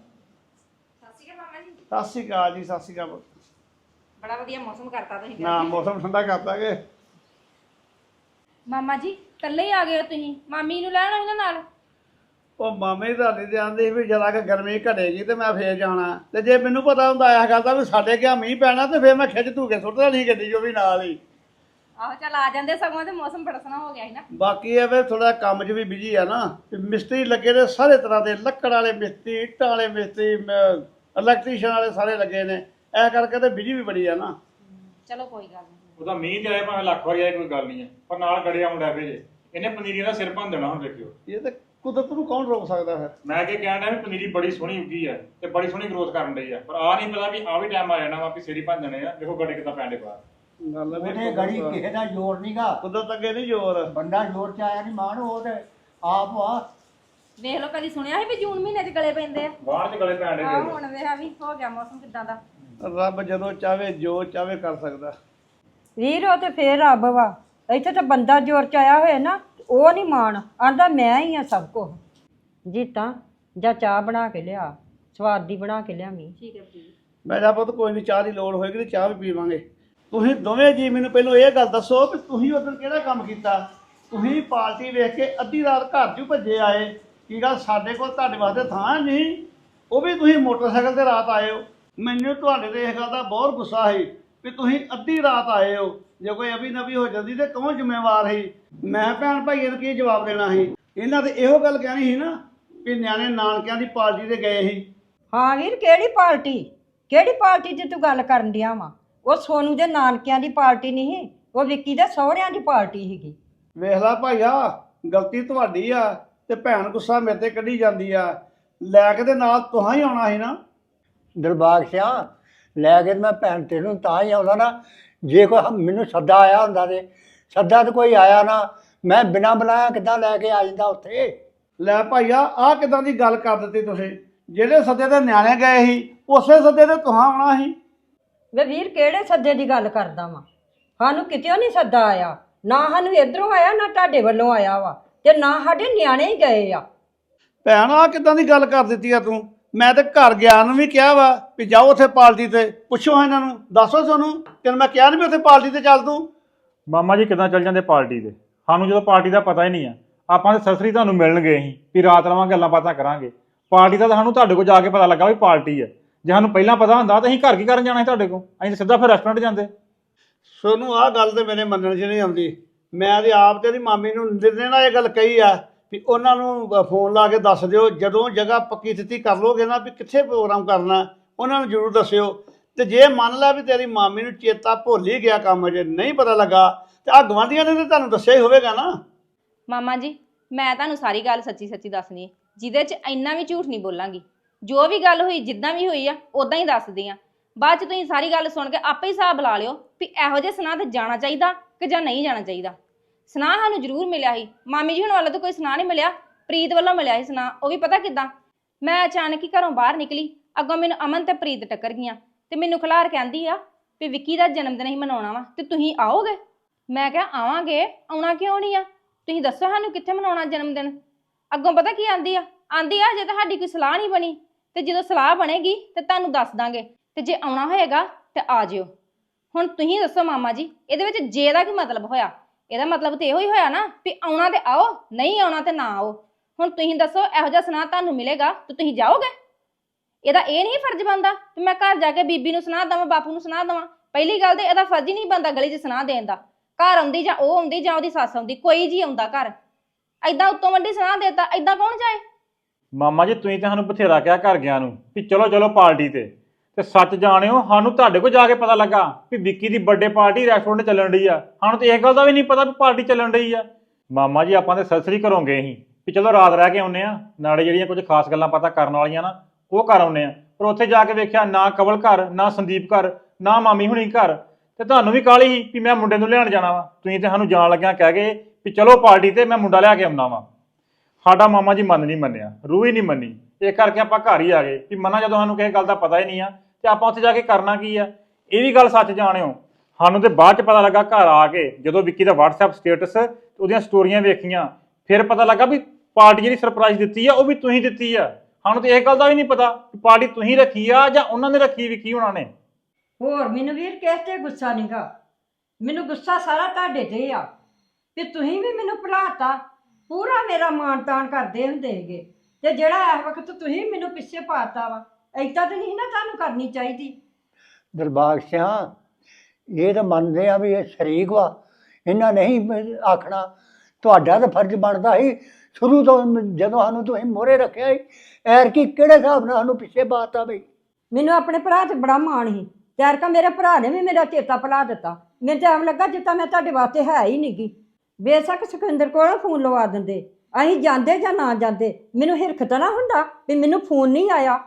[SPEAKER 4] ਸਤਿ ਸ਼੍ਰੀ ਅਕਾਲ ਜੀ, ਸਤਿ ਸ਼੍ਰੀ ਅਕਾਲ।
[SPEAKER 8] ਬੜਾ ਵਧੀਆ ਮੌਸਮ ਕਰਤਾ ਤੁਸੀਂ।
[SPEAKER 4] ਨਾ ਮੌਸਮ ਠੰਡਾ ਕਰਤਾ ਕਿ
[SPEAKER 8] ਮਾਮਾ ਜੀ ਇਕੱਲੇ ਹੀ ਆ ਗਏ ਹੋ ਤੁਸੀਂ? ਮਾਮੀ ਨੂੰ ਲੈਣਾ ਇਹਨਾਂ ਨਾਲ?
[SPEAKER 4] ਉਹ ਮਾਮੇ ਤੁਹਾਡੇ ਤੇ ਆਂਦੇ ਸੀ ਵੀ ਜਰਾ ਕਿ ਗਰਮੀ ਘਟੇਗੀ ਤੇ ਮੈਂ ਫੇਰ ਜਾਣਾ, ਤੇ ਜੇ ਮੈਨੂੰ ਪਤਾ ਹੁੰਦਾ ਇਸ ਗੱਲ ਦਾ ਵੀ ਸਾਡੇ ਕਿਆ ਮੀਂਹ ਪੈਣਾ ਤੇ ਫੇਰ ਮੈਂ ਖਿੱਚ ਧੂ ਕੇ ਸੁੱਟ ਦੇਣੀ ਗੱਡੀ ਜੋ ਵੀ ਨਾਲ ਹੀ।
[SPEAKER 8] ਆਹੋ ਚੱਲ ਆ ਜਾਂਦੇ, ਸਗੋਂ ਤੇ ਮੌਸਮ ਬੜਾ ਸੋਹਣਾ ਹੋ ਗਿਆ ਸੀ ਨਾ।
[SPEAKER 4] ਬਾਕੀ ਇਹ ਵੀ ਥੋੜਾ ਕੰਮ 'ਚ ਵੀ ਬਿਜੀ ਆ ਨਾ, ਤੇ ਮਿਸਤਰੀ ਲੱਗੇ ਨੇ ਸਾਰੇ ਤਰ੍ਹਾਂ ਦੇ, ਲੱਕੜ ਵਾਲੇ ਮਿਸਤਰੀ, ਇੱਟਾਂ ਵਾਲੇ ਮਿਸਤਰੀ, ਇਲੈਕਟ੍ਰੀਸ਼ੀਅਨ ਵਾਲੇ ਸਾਰੇ ਲੱਗੇ ਨੇ, ਇਹ ਕਰਕੇ ਤੇ ਬਿਜੀ ਵੀ ਬੜੀ ਆ ਨਾ।
[SPEAKER 8] ਚਲੋ ਕੋਈ ਗੱਲ ਨਹੀਂ।
[SPEAKER 9] ਉਹਦਾ ਮੀਂਹ ਤੇ ਆਏ ਭਾਵੇਂ ਲੱਖ ਵਾਰੀ ਆਏ ਕੋਈ ਗੱਲ ਨਹੀਂ ਹੈ, ਪਰ ਨਾਲ ਗੜਿਆ ਮੁੰਡਾ ਭੇਜੇ, ਇਹਨੇ ਪਨੀਰੀਆਂ ਦਾ ਸਿਰ ਭੰਨ ਦੇਣਾ ਹੁਣ ਦੇਖਿਓ।
[SPEAKER 4] ਇਹ ਤੇ ਕੁਦਰਤ ਨੂੰ ਕੌਣ ਰੋਕ ਸਕਦਾ ਫਿਰ।
[SPEAKER 9] ਮੈਂ ਕੀ ਕਹਿਣ ਡਿਆ ਵੀ ਪਨੀਰੀ ਬੜੀ ਸੋਹਣੀ ਉੱਗੀ ਆ ਤੇ ਬੜੀ ਸੋਹਣੀ ਗਰੋਥ ਕਰਨ ਡਈ ਆ, ਪਰ ਆ ਨਹੀਂ ਪਤਾ ਵੀ ਆ ਵੀ ਟਾਈਮ ਆ ਜਾਣਾ ਵਾ ਵੀ ਸਿਰ ਹੀ ਭੰਨ ਦੇਣੇ ਆ। ਦੇਖੋ ਗੜੇ ਕਿੱਦਾਂ ਪੈਂਦੇ ਬਾਹਰ।
[SPEAKER 4] ਗੱਲ ਆ ਵੀ
[SPEAKER 11] ਉਹਨੇ ਗੜੀ ਕਿਸੇ ਦਾ ਜ਼ੋਰ ਨਹੀਂਗਾ,
[SPEAKER 4] ਕੁਦਰਤ ਅੱਗੇ ਨਹੀਂ ਜ਼ੋਰ।
[SPEAKER 11] ਬੰਦਾ ਜ਼ੋਰ ਚ ਆਇਆ ਨਹੀਂ ਮਾਣ, ਉਹ ਤੇ ਆਪ ਆ।
[SPEAKER 8] ਵੇਖ ਲਓ, ਕਦੀ ਸੁਣਿਆ ਸੀ ਵੀ ਜੂਨ ਮਹੀਨੇ 'ਚ ਗਲੇ ਪੈਂਦੇ ਆ?
[SPEAKER 9] ਬਾਹਰ ਚ ਗਲੇ ਪੈਂਦੇ
[SPEAKER 8] ਆਹ ਹੁਣ ਵੇਖਾ ਵੀ ਹੋ ਗਿਆ ਮੌਸਮ ਕਿੱਦਾਂ ਦਾ।
[SPEAKER 4] ਰੱਬ ਜਦੋਂ ਚਾਵੇ ਜੋ ਚਾਵੇ ਕਰ ਸਕਦਾ।
[SPEAKER 10] ਵੀਰ ਉਹ ਤੇ ਫੇਰ ਰੱਬ ਵਾ, ਇੱਥੇ ਤਾਂ ਬੰਦਾ ਜ਼ੋਰ ਚ ਆਇਆ ਹੋਇਆ ਨਾ, ਉਹ ਨਹੀਂ ਮਾਣ, ਆਂਦਾ ਮੈਂ ਹੀ ਆ ਸਭ ਕੁਝ। ਜੀਤਾ ਜਾਂ ਚਾਹ ਬਣਾ ਕੇ ਲਿਆ, ਸਵਾਦ ਦੀ ਬਣਾ ਕੇ ਲਿਆਵੀਂ।
[SPEAKER 8] ਠੀਕ ਹੈ ਜੀ।
[SPEAKER 4] ਮੈਂ ਕਿਹਾ ਪੁੱਤ ਕੋਈ ਨਹੀਂ, ਚਾਹ ਦੀ ਲੋੜ ਹੋਏਗੀ ਤੇ ਚਾਹ ਵੀ ਪੀਵਾਂਗੇ। ਤੁਸੀਂ ਦੋਵੇਂ ਜੀ ਮੈਨੂੰ ਪਹਿਲਾਂ ਇਹ ਗੱਲ ਦੱਸੋ ਵੀ ਤੁਸੀਂ ਉਦੋਂ ਕਿਹੜਾ ਕੰਮ ਕੀਤਾ? ਤੁਸੀਂ ਪਾਰਟੀ ਵੇਖ ਕੇ ਅੱਧੀ ਰਾਤ ਘਰ 'ਚੋਂ ਭੱਜੇ ਆਏ, ਕੀ ਗੱਲ ਸਾਡੇ ਕੋਲ ਤੁਹਾਡੇ ਵਾਸਤੇ ਥਾਂ ਨਹੀਂ? ਉਹ ਵੀ ਤੁਸੀਂ ਮੋਟਰਸਾਈਕਲ ਤੇ ਰਾਤ ਆਏ ਹੋ। ਮੈਨੂੰ ਤੁਹਾਡੇ ਤੇ ਇਸ ਗੱਲ ਦਾ ਬਹੁਤ ਗੁੱਸਾ ਸੀ ਵੀ ਤੁਸੀਂ ਅੱਧੀ ਰਾਤ ਆਏ ਹੋ। ਜੇ ਕੋਈ ਅਭੀ ਨਵੀ ਹੋ ਜਾਂਦੀ ਤੇ ਕੌਣ ਜ਼ਿੰਮੇਵਾਰ ਸੀ? ਮੈਂ ਭੈਣ ਭਾਈਆਂ ਨੂੰ ਕੀ ਜਵਾਬ ਦੇਣਾ ਸੀ? ਇਹਨਾਂ ਤੇ ਇਹੋ ਗੱਲ ਕਹਿਣੀ ਸੀ ਨਾ ਵੀ ਨਿਆਣੇ ਨਾਨਕਿਆਂ ਦੀ ਪਾਰਟੀ ਤੇ ਗਏ ਸੀ।
[SPEAKER 10] ਹਾਂ ਵੀਰ, ਕਿਹੜੀ ਪਾਰਟੀ? ਕਿਹੜੀ ਪਾਰਟੀ ਦੀ ਤੂੰ ਗੱਲ ਕਰਨ ਡਿਆ ਵਾ? ਉਹ ਸੋਨੂ ਦੇ ਨਾਨਕਿਆਂ ਦੀ ਪਾਰਟੀ ਨਹੀਂ ਸੀ, ਉਹ ਵਿੱਕੀ ਦੇ ਸਹੁਰਿਆਂ ਦੀ ਪਾਰਟੀ ਸੀਗੀ।
[SPEAKER 4] ਵੇਖ ਲਾ ਭਾਈਆ, ਗਲਤੀ ਤੁਹਾਡੀ ਆ ਤੇ ਭੈਣ ਗੁੱਸਾ ਮੇਰੇ ਤੇ ਕੱਢੀ ਜਾਂਦੀ ਆ। ਲੈ ਕੇ ਤੇ ਨਾਲ ਤੁਹਾਂ ਹੀ ਆਉਣਾ ਸੀ ਨਾ।
[SPEAKER 11] ਦਿਲਬਾਗ ਸਿਆ ਲੈ ਕੇ ਮੈਂ ਭੈਣ ਤੈਨੂੰ ਤਾਂ ਹੀ ਆਉਂਦਾ ਨਾ, ਜੇ ਕੋਈ ਮੈਨੂੰ ਸੱਦਾ ਆਇਆ ਹੁੰਦਾ ਤੇ ਸੱਦਾ ਤਾਂ ਕੋਈ ਆਇਆ ਨਾ, ਮੈਂ ਬਿਨਾਂ ਬੁਲਾਇਆ ਕਿੱਦਾਂ ਲੈ ਕੇ ਆ ਜਾਂਦਾ ਉੱਥੇ?
[SPEAKER 4] ਲੈ ਭਾਈਆ, ਆਹ ਕਿਦਾਂ ਦੀ ਗੱਲ ਕਰ ਦਿੱਤੀ ਤੁਸੀਂ? ਜਿਹੜੇ ਸੱਦੇ ਤੇ ਨਿਆਣੇ ਗਏ ਸੀ ਉਸੇ ਸੱਦੇ ਤੇ ਤੁਹਾਂ ਆਉਣਾ ਸੀ।
[SPEAKER 10] ਵੇ ਵੀਰ, ਕਿਹੜੇ ਸੱਦੇ ਦੀ ਗੱਲ ਕਰਦਾ ਵਾ? ਸਾਨੂੰ ਕਿਤੇ ਨਹੀਂ ਸੱਦਾ ਆਇਆ, ਨਾ ਸਾਨੂੰ ਇਧਰੋਂ ਆਇਆ ਨਾ ਤੁਹਾਡੇ ਵੱਲੋਂ ਆਇਆ ਵਾ ਤੇ ਨਾ ਸਾਡੇ ਨਿਆਣੇ ਹੀ ਗਏ ਆ।
[SPEAKER 4] ਭੈਣ ਆ ਕਿੱਦਾਂ ਦੀ ਗੱਲ ਕਰ ਦਿੱਤੀ ਆ ਤੂੰ। ਮੈਂ ਤੇ ਘਰ ਗਿਆ ਨੂੰ ਵੀ ਕਿਹਾ ਵਾ ਵੀ ਜਾਓ ਉੱਥੇ ਪਾਰਟੀ ਤੇ, ਪੁੱਛੋ ਇਹਨਾਂ ਨੂੰ, ਦੱਸੋ ਤੁਹਾਨੂੰ। ਤੈਨੂੰ ਮੈਂ ਕਿਹਾ ਨਹੀਂ ਵੀ ਉੱਥੇ ਪਾਰਟੀ ਤੇ ਚੱਲ ਤੂੰ।
[SPEAKER 9] ਮਾਮਾ ਜੀ ਕਿੱਦਾਂ ਚੱਲ ਜਾਂਦੇ ਪਾਰਟੀ ਤੇ? ਸਾਨੂੰ ਜਦੋਂ ਪਾਰਟੀ ਦਾ ਪਤਾ ਹੀ ਨਹੀਂ ਆ, ਆਪਾਂ ਤੇ ਸਸਰੀ ਤੁਹਾਨੂੰ ਮਿਲਣ ਗਏ ਸੀ ਵੀ ਰਾਤ ਰਵਾਂਗੇ ਗੱਲਾਂ ਬਾਤਾਂ ਕਰਾਂਗੇ। ਪਾਰਟੀ ਦਾ ਤਾਂ ਸਾਨੂੰ ਤੁਹਾਡੇ ਕੋਲ ਜਾ ਕੇ ਪਤਾ ਲੱਗਾ ਵੀ ਪਾਰਟੀ ਹੈ। ਜੇ ਸਾਨੂੰ ਪਹਿਲਾਂ ਪਤਾ ਹੁੰਦਾ ਤਾਂ ਅਸੀਂ ਘਰ ਕੀ ਕਰਨ ਜਾਣਾ ਸੀ ਤੁਹਾਡੇ ਕੋਲ? ਅਸੀਂ ਤਾਂ ਸਿੱਧਾ ਫਿਰ ਰੈਸਟੋਰੈਂਟ ਜਾਂਦੇ।
[SPEAKER 4] ਸੋਨੂੰ ਆਹ ਗੱਲ ਤੇ ਮੇਰੇ ਮੰਨਣ 'ਚ ਨਹੀਂ ਆਉਂਦੀ। ਮੈਂ ਤੇ ਆਪ ਤੇਰੀ ਮਾਮੀ ਨੂੰ ਦਿਨੇ ਨਾਲ ਇਹ ਗੱਲ ਕਹੀ ਆ ਵੀ ਉਹਨਾਂ ਨੂੰ ਫੋਨ ਲਾ ਕੇ ਦੱਸ ਦਿਓ, ਜਦੋਂ ਜਗ੍ਹਾ ਪੱਕੀ ਤਿੱਤੀ ਕਰ ਲੋਗੇ ਨਾ ਵੀ ਕਿੱਥੇ ਪ੍ਰੋਗਰਾਮ ਕਰਨਾ, ਉਹਨਾਂ ਨੂੰ ਜ਼ਰੂਰ ਦੱਸਿਓ। ਤੇ ਜੇ ਮੰਨ ਲਾ ਵੀ ਤੇਰੀ ਮਾਮੀ ਨੂੰ ਚੇਤਾ ਭੁੱਲ ਹੀ ਗਿਆ, ਕੰਮ ਜੇ ਨਹੀਂ ਪਤਾ ਲੱਗਾ, ਤੇ ਆ ਗਵਾਂਢੀਆਂ ਨੇ ਤਾਂ ਤੁਹਾਨੂੰ ਦੱਸਿਆ ਹੀ ਹੋਵੇਗਾ ਨਾ।
[SPEAKER 8] ਮਾਮਾ ਜੀ ਮੈਂ ਤੁਹਾਨੂੰ ਸਾਰੀ ਗੱਲ ਸੱਚੀ ਸੱਚੀ ਦੱਸਣੀ ਹੈ, ਜਿਹਦੇ 'ਚ ਇੰਨਾ ਵੀ ਝੂਠ ਨਹੀਂ ਬੋਲਾਂਗੀ। ਜੋ ਵੀ ਗੱਲ ਹੋਈ ਜਿੱਦਾਂ ਵੀ ਹੋਈ ਆ ਉਦਾਂ ਹੀ ਦੱਸਦੀ ਆ। ਬਾਅਦ 'ਚ ਤੁਸੀਂ ਸਾਰੀ ਗੱਲ ਸੁਣ ਕੇ ਆਪੇ ਹੀ ਹਿਸਾਬ ਲਾ ਲਿਓ ਵੀ ਇਹੋ ਜਿਹੇ ਸੁਨਾਹ ਤੇ ਜਾਣਾ ਚਾਹੀਦਾ ਕਿ ਜਾਂ ਨਹੀਂ ਜਾਣਾ ਚਾਹੀਦਾ। ਸੁਨਾਹ ਸਾਨੂੰ ਜ਼ਰੂਰ ਮਿਲਿਆ ਸੀ, ਮਾਮੀ ਜੀ ਹੁਣ ਵੱਲੋਂ ਤਾਂ ਕੋਈ ਸੁਨਾਹ ਨਹੀਂ ਮਿਲਿਆ, ਪ੍ਰੀਤ ਵੱਲੋਂ ਮਿਲਿਆ ਸੀ ਸੁਨਾਹ। ਉਹ ਵੀ ਪਤਾ ਕਿੱਦਾਂ, ਮੈਂ ਅਚਾਨਕ ਹੀ ਘਰੋਂ ਬਾਹਰ ਨਿਕਲੀ, ਅੱਗੋਂ ਮੈਨੂੰ ਅਮਨ ਤੇ ਪ੍ਰੀਤ ਟੱਕਰ ਗਈਆਂ ਤੇ ਮੈਨੂੰ ਖਿਲਾਰ ਕਹਿੰਦੀ ਆ ਵੀ ਵਿੱਕੀ ਦਾ ਜਨਮ ਦਿਨ ਹੀ ਮਨਾਉਣਾ ਵਾ ਤੇ ਤੁਸੀਂ ਆਓਗੇ? ਮੈਂ ਕਿਹਾ ਆਵਾਂਗੇ, ਆਉਣਾ ਕਿਉਂ ਨਹੀਂ ਆ, ਤੁਸੀਂ ਦੱਸੋ ਸਾਨੂੰ ਕਿੱਥੇ ਮਨਾਉਣਾ ਜਨਮ ਦਿਨ। ਅੱਗੋਂ ਪਤਾ ਕੀ ਆਂਦੀ ਆ ਜੇ ਤੁਹਾਡੀ ਕੋਈ ਸਲਾਹ ਨਹੀਂ ਬਣੀ ਤੇ ਜਦੋਂ ਸਲਾਹ ਬਣੇਗੀ ਤੇ ਤੁਹਾਨੂੰ ਦੱਸ ਦਾਂਗੇ, ਤੇ ਜੇ ਆਉਣਾ ਹੋਏਗਾ ਤੇ ਆ ਜਿਓ। ਹੁਣ ਤੁਸੀਂ ਦੱਸੋ ਮਾਮਾ ਜੀ, ਇਹਦੇ ਵਿੱਚ ਜੇ ਦਾ ਕੀ ਮਤਲਬ ਹੋਇਆ? ਇਹਦਾ ਮਤਲਬ ਤੇ ਇਹੋ ਹੀ ਹੋਇਆ ਨਾ ਵੀ ਆਉਣਾ ਤੇ ਆਓ, ਨਹੀਂ ਆਉਣਾ ਤੇ ਨਾ ਆਓ। ਹੁਣ ਤੁਸੀਂ ਦੱਸੋ ਇਹੋ ਜਿਹਾ ਸੁਨਾਹ ਤੁਹਾਨੂੰ ਮਿਲੇਗਾ ਤੇ ਤੁਸੀਂ ਜਾਓਗੇ? ਇਹਦਾ ਇਹ ਨਹੀਂ ਫਰਜ਼ ਬਣਦਾ ਕਿ ਮੈਂ ਘਰ ਜਾ ਕੇ ਬੀਬੀ ਨੂੰ ਸੁਨਾਹ ਦੇਵਾਂ, ਬਾਪੂ ਨੂੰ ਸੁਨਾਹ ਦੇਵਾਂ? ਪਹਿਲੀ ਗੱਲ ਤੇ ਇਹਦਾ ਫਰਜ਼ ਹੀ ਨਹੀਂ ਬਣਦਾ ਗਲੀ 'ਚ ਸੁਨਾਹ ਦੇਣ ਦਾ। ਘਰ ਆਉਂਦੀ ਜਾਂ ਉਹ ਆਉਂਦੀ ਜਾਂ ਉਹਦੀ ਸੱਸ ਆਉਂਦੀ, ਕੋਈ ਜੀ ਆਉਂਦਾ ਘਰ, ਐਦਾਂ ਉੱਤੋਂ ਵੱਡੀ ਸੁਨਾਹ ਦੇਤਾ, ਐਦਾਂ ਕੌਣ ਜਾਏ?
[SPEAKER 9] ਮਾਮਾ ਜੀ ਤੁਸੀਂ ਤਾਂ ਸਾਨੂੰ ਬਥੇਰਾ ਕਿਹਾ ਘਰ ਗਿਆ ਨੂੰ ਵੀ ਚਲੋ ਚਲੋ ਪਾਰਟੀ ਤੇ ਸੱਚ ਜਾਣਿਓ ਸਾਨੂੰ ਤੁਹਾਡੇ ਕੋਲ ਜਾ ਕੇ ਪਤਾ ਲੱਗਾ ਵੀ ਵਿੱਕੀ ਦੀ ਬਰਥਡੇ ਪਾਰਟੀ ਰੈਸਟੋਰੈਂਟ ਚੱਲਣ ਰਹੀ ਆ। ਸਾਨੂੰ ਤਾਂ ਇਹ ਗੱਲ ਦਾ ਵੀ ਨਹੀਂ ਪਤਾ ਵੀ ਪਾਰਟੀ ਚੱਲਣ ਰਹੀ ਆ। ਮਾਮਾ ਜੀ ਆਪਾਂ ਤੇ ਸਸਰੀ ਘਰੋਂ ਗਏ ਸੀ ਵੀ ਚਲੋ ਰਾਤ ਰਹਿ ਕੇ ਆਉਂਦੇ ਆ, ਨਾਲੇ ਜਿਹੜੀਆਂ ਕੁਝ ਖਾਸ ਗੱਲਾਂ ਪਤਾ ਕਰਨ ਵਾਲੀਆਂ ਨਾ ਉਹ ਕਰ ਆਉਂਦੇ ਆ। ਪਰ ਉੱਥੇ ਜਾ ਕੇ ਵੇਖਿਆ ਨਾ ਕਵਲ ਘਰ, ਨਾ ਸੰਦੀਪ ਘਰ, ਨਾ ਮਾਮੀ ਹੁਣੀ ਘਰ। ਤੇ ਤੁਹਾਨੂੰ ਵੀ ਕਾਹਲੀ ਸੀ ਵੀ ਮੈਂ ਮੁੰਡੇ ਨੂੰ ਲਿਆਉਣ ਜਾਣਾ ਵਾ, ਤੁਸੀਂ ਤੇ ਸਾਨੂੰ ਜਾਣ ਲੱਗਿਆ ਕਹਿ ਗਏ ਵੀ ਚਲੋ ਪਾਰਟੀ ਤੇ ਮੈਂ ਮੁੰਡਾ ਲਿਆ ਕੇ ਆਉਣਾ ਵਾ। ਸਾਡਾ ਮਾਮਾ ਜੀ ਮਨ ਨਹੀਂ ਮੰਨਿਆ, ਰੂਹ ਹੀ ਨਹੀਂ ਮੰਨੀ, ਇਹ ਕਰਕੇ ਆਪਾਂ ਘਰ ਹੀ ਆ ਗਏ ਵੀ ਮਨਾ ਜਦੋਂ ਸਾਨੂੰ ਕਿਸੇ ਗੱਲ ਦਾ ਪਤਾ ਹੀ ਨਹੀਂ ਆ ਤੇ ਆਪਾਂ ਉੱਥੇ ਜਾ ਕੇ ਕਰਨਾ ਕੀ ਆ। ਇਹ ਵੀ ਗੱਲ ਸੱਚ ਜਾਣਿਓ, ਸਾਨੂੰ ਤੇ ਬਾਅਦ ਚ ਪਤਾ ਲੱਗਾ ਘਰ ਆ ਕੇ, ਜਦੋਂ ਵਿੱਕੀ ਦਾ WhatsApp ਸਟੇਟਸ ਉਹਦੀਆਂ ਸਟੋਰੀਆਂ ਵੇਖੀਆਂ, ਫਿਰ ਪਤਾ ਲੱਗਾ ਵੀ ਪਾਰਟੀ ਜਿਹੜੀ ਸਰਪ੍ਰਾਈਜ਼ ਦਿੱਤੀ ਆ ਉਹ ਵੀ ਤੁਸੀਂ ਦਿੱਤੀ ਆ। ਸਾਨੂੰ ਤੇ ਇਹ ਗੱਲ ਦਾ ਵੀ ਨਹੀਂ ਪਤਾ ਕਿ ਪਾਰਟੀ ਤੁਸੀਂ ਰੱਖੀ ਆ ਜਾਂ ਉਹਨਾਂ ਨੇ ਰੱਖੀ ਵਿੱਕੀ ਹੋਣਾ ਨੇ।
[SPEAKER 10] ਹੋਰ ਮੈਨੂੰ ਵੀਰ ਕਿਸ ਤੇ ਗੁੱਸਾ ਨਹੀਂਗਾ, ਮੈਨੂੰ ਗੁੱਸਾ ਸਾਰਾ ਤੁਹਾਡੇ ਤੇ ਆ ਵੀ ਤੁਸੀਂ ਵੀ ਮੈਨੂੰ ਭੁਲਾਤਾ, ਪੂਰਾ ਮੇਰਾ ਮਾਣ ਤਾਣ ਕਰਦੇ ਹੁੰਦੇ ਹੈਗੇ, ਤੇ ਜਿਹੜਾ ਇਸ ਵਕਤ ਤੁਸੀਂ ਮੈਨੂੰ ਪਿੱਛੇ ਪਾਤਾ ਵਾ, ਏਦਾਂ ਤਾਂ ਨਹੀਂ ਨਾ ਤੁਹਾਨੂੰ ਕਰਨੀ ਚਾਹੀਦੀ।
[SPEAKER 11] ਦਿਲਬਾਗ ਸਿਆ ਇਹ ਤਾਂ ਮੰਨਦੇ ਆ ਵੀ ਇਹ ਸ਼ਰੀਕ ਵਾ, ਇਹਨਾਂ ਨਹੀਂ ਆਖਣਾ। ਤੁਹਾਡਾ ਤਾਂ ਫਰਜ਼ ਬਣਦਾ ਸੀ ਸ਼ੁਰੂ ਤੋਂ, ਜਦੋਂ ਸਾਨੂੰ ਤੁਸੀਂ ਮੋਹਰੇ ਰੱਖਿਆ ਸੀ, ਐਰ ਕੀ ਕਿਹੜੇ ਹਿਸਾਬ ਨਾਲ ਸਾਨੂੰ ਪਿੱਛੇ ਪਾਤਾ ਬਈ?
[SPEAKER 10] ਮੈਨੂੰ ਆਪਣੇ ਭਰਾ ਤੇ ਬੜਾ ਮਾਣ ਸੀ, ਤਿਆਰ ਕਾ ਮੇਰੇ ਭਰਾ ਨੇ ਵੀ ਮੇਰਾ ਚੇਤਾ ਭੁਲਾ ਦਿੱਤਾ। ਮੈਨੂੰ ਤਾਂ ਐਵੇਂ ਲੱਗਾ ਜਿੱਦਾਂ ਮੈਂ ਤੁਹਾਡੇ ਵਾਸਤੇ ਹੈ ਹੀ ਨਹੀਂ ਗੀ। ਬੇਸ਼ੱਕ ਸੁਖਿੰਦਰ ਕੋਲ ਫੋਨ ਲਵਾ ਦਿੰਦੇ, ਅਸੀਂ ਜਾਂਦੇ ਜਾਂ ਨਾ ਜਾਂਦੇ, ਮੈਨੂੰ ਹਿਰਖ ਤਾਂ ਨਾ ਹੁੰਦਾ ਵੀ ਮੈਨੂੰ ਫੋਨ ਨਹੀਂ ਆਇਆ।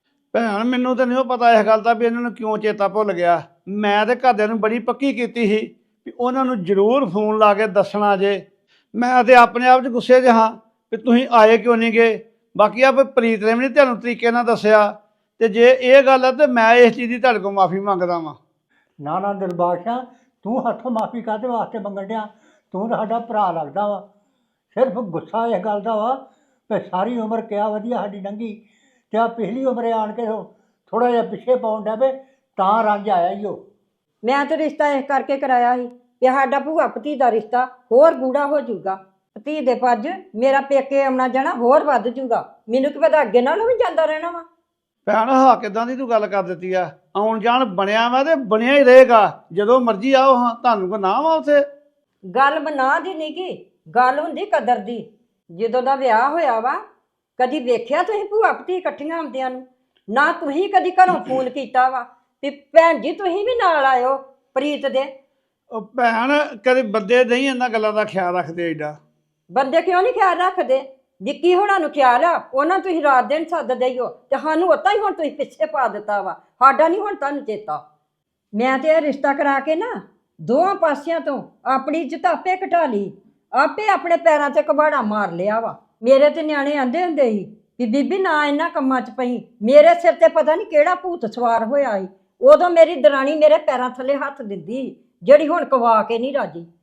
[SPEAKER 4] ਭੈਣ ਮੈਨੂੰ ਤਾਂ ਨਹੀਂ ਪਤਾ ਇਸ ਗੱਲ ਦਾ ਵੀ ਇਹਨਾਂ ਨੂੰ ਕਿਉਂ ਚੇਤਾ ਭੁੱਲ ਗਿਆ। ਮੈਂ ਤੇ ਘਰਦਿਆਂ ਨੂੰ ਬੜੀ ਪੱਕੀ ਕੀਤੀ ਸੀ ਵੀ ਉਹਨਾਂ ਨੂੰ ਜ਼ਰੂਰ ਫੋਨ ਲਾ ਕੇ ਦੱਸਣਾ ਜੇ। ਮੈਂ ਤੇ ਆਪਣੇ ਆਪ 'ਚ ਗੁੱਸੇ 'ਚ ਹਾਂ ਵੀ ਤੁਸੀਂ ਆਏ ਕਿਉਂ ਨਹੀਂ ਗਏ। ਬਾਕੀ ਆ ਪ੍ਰੀਤ ਨੇ ਵੀ ਨਹੀਂ ਤੁਹਾਨੂੰ ਤਰੀਕੇ ਨਾਲ ਦੱਸਿਆ, ਤੇ ਜੇ ਇਹ ਗੱਲ ਹੈ ਤਾਂ ਮੈਂ ਇਸ ਚੀਜ਼ ਦੀ ਤੁਹਾਡੇ ਕੋਲ ਮਾਫੀ ਮੰਗਦਾ ਵਾਂ।
[SPEAKER 11] ਨਾ ਨਾ ਦਿਲਬਾਗ ਸਿਆ, ਤੂੰ ਹੱਥੋਂ ਮਾਫੀ ਕਾਹਦੇ ਵਾਸਤੇ ਮੰਗਣ ਡਿਆ? ਤੂੰ ਤਾਂ ਸਾਡਾ ਭਰਾ ਲੱਗਦਾ ਵਾ। ਸਿਰਫ ਗੁੱਸਾ ਇਸ ਗੱਲ ਦਾ ਵਾ ਕਿ ਸਾਰੀ ਉਮਰ ਕਿਆ ਵਧੀਆ ਸਾਡੀ ਲੰਘੀ, ਤੇ ਆ ਪਿਛਲੀ ਉਮਰੇ ਆਣ ਕੇ ਥੋੜਾ ਜਿਹਾ ਪਿੱਛੇ ਪਾਉਣ ਡਿਆ ਵੇ, ਤਾਂ ਰੰਜ ਆਇਆ ਹੀ ਉਹ।
[SPEAKER 10] ਮੈਂ ਤਾਂ ਰਿਸ਼ਤਾ ਇਸ ਕਰਕੇ ਕਰਾਇਆ ਸੀ ਕਿ ਸਾਡਾ ਭੂਆ ਭਤੀ ਦਾ ਰਿਸ਼ਤਾ ਹੋਰ ਗੂੜਾ ਹੋ ਜਾਊਗਾ, ਭਤੀ ਦੇ ਪੱਜ ਮੇਰਾ ਪੇਕੇ ਆਉਣਾ ਜਾਣਾ ਹੋਰ ਵੱਧ ਜਾਊਗਾ। ਮੈਨੂੰ ਕੀ ਪਤਾ ਅੱਗੇ ਨਾਲੋਂ ਵੀ ਜਾਂਦਾ ਰਹਿਣਾ ਵਾ।
[SPEAKER 4] ਭੈਣ ਹਾਂ ਕਿੱਦਾਂ ਦੀ ਤੂੰ ਗੱਲ ਕਰ ਦਿੱਤੀ ਆ। ਆਉਣ ਜਾਣ ਬਣਿਆ ਵਾ ਤੇ ਬਣਿਆ ਹੀ ਰਹੇਗਾ, ਜਦੋਂ ਮਰਜ਼ੀ ਆਓ। ਹਾਂ ਤੁਹਾਨੂੰ ਕੋ ਨਾ ਵਾ ਉੱਥੇ
[SPEAKER 10] ਗੱਲ ਬਣਾ ਦੀ ਨਹੀਂ ਗੀ, ਗੱਲ ਹੁੰਦੀ ਕਦਰ ਦੀ। ਜਦੋਂ ਦਾ ਵਿਆਹ ਹੋਇਆ ਵਾ ਕਦੀ ਵੇਖਿਆ ਤੁਸੀਂ ਭੂਆ ਭਤੀ ਇਕੱਠੀਆਂ ਆਉਂਦਿਆਂ ਨੂੰ? ਨਾ ਤੁਸੀਂ ਕਦੀ ਘਰੋਂ ਫੋਨ ਕੀਤਾ ਵਾ ਵੀ ਭੈਣ ਜੀ ਤੁਸੀਂ ਵੀ ਨਾਲ ਆਇਓ ਪ੍ਰੀਤ ਦੇ?
[SPEAKER 4] ਉਹ ਭੈਣ ਕਦੇ ਬੰਦੇ ਨਹੀਂ ਇਹਨਾਂ ਗੱਲਾਂ ਦਾ ਖਿਆਲ ਰੱਖਦੇ ਏਡਾ।
[SPEAKER 10] ਬੰਦੇ ਕਿਉਂ ਨਹੀਂ ਖਿਆਲ ਰੱਖਦੇ? ਵਿੱਕੀ ਹੋਣਾ ਨੂੰ ਖਿਆਲ ਆ, ਉਹਨਾਂ ਤੁਸੀਂ ਰਾਤ ਦਿਨ ਸੱਦਦੇ ਹੀ ਹੋ, ਤੇ ਸਾਨੂੰ ਉਤਾਂ ਹੀ ਹੁਣ ਤੁਸੀਂ ਪਿੱਛੇ ਪਾ ਦਿੱਤਾ ਵਾ। ਸਾਡਾ ਨਹੀਂ ਹੁਣ ਤੁਹਾਨੂੰ ਚੇਤਾ। ਮੈਂ ਤੇ ਇਹ ਰਿਸ਼ਤਾ ਕਰਾ ਕੇ ਨਾ ਦੋਵਾਂ ਪਾਸਿਆਂ ਤੋਂ ਆਪਣੀ ਇੱਜ਼ਤ ਆਪੇ ਘਟਾ ਲਈ, ਆਪੇ ਆਪਣੇ ਪੈਰਾਂ 'ਤੇ ਕਬਾੜਾ ਮਾਰ ਲਿਆ ਵਾ। ਮੇਰੇ ਤੇ ਨਿਆਣੇ ਆਂਦੇ ਹੁੰਦੇ ਸੀ ਕਿ ਬੀਬੀ ਨਾ ਇਹਨਾਂ ਕੰਮਾਂ 'ਚ ਪਈ, ਮੇਰੇ ਸਿਰ ਤੇ ਪਤਾ ਨਹੀਂ ਕਿਹੜਾ ਭੂਤ ਸਵਾਰ ਹੋਇਆ ਸੀ। ਉਦੋਂ ਮੇਰੀ ਦਰਾਣੀ ਮੇਰੇ ਪੈਰਾਂ ਥੱਲੇ ਹੱਥ ਦਿੰਦੀ, ਜਿਹੜੀ ਹੁਣ ਕਵਾ ਕੇ ਨਹੀਂ ਰਾਜੀ।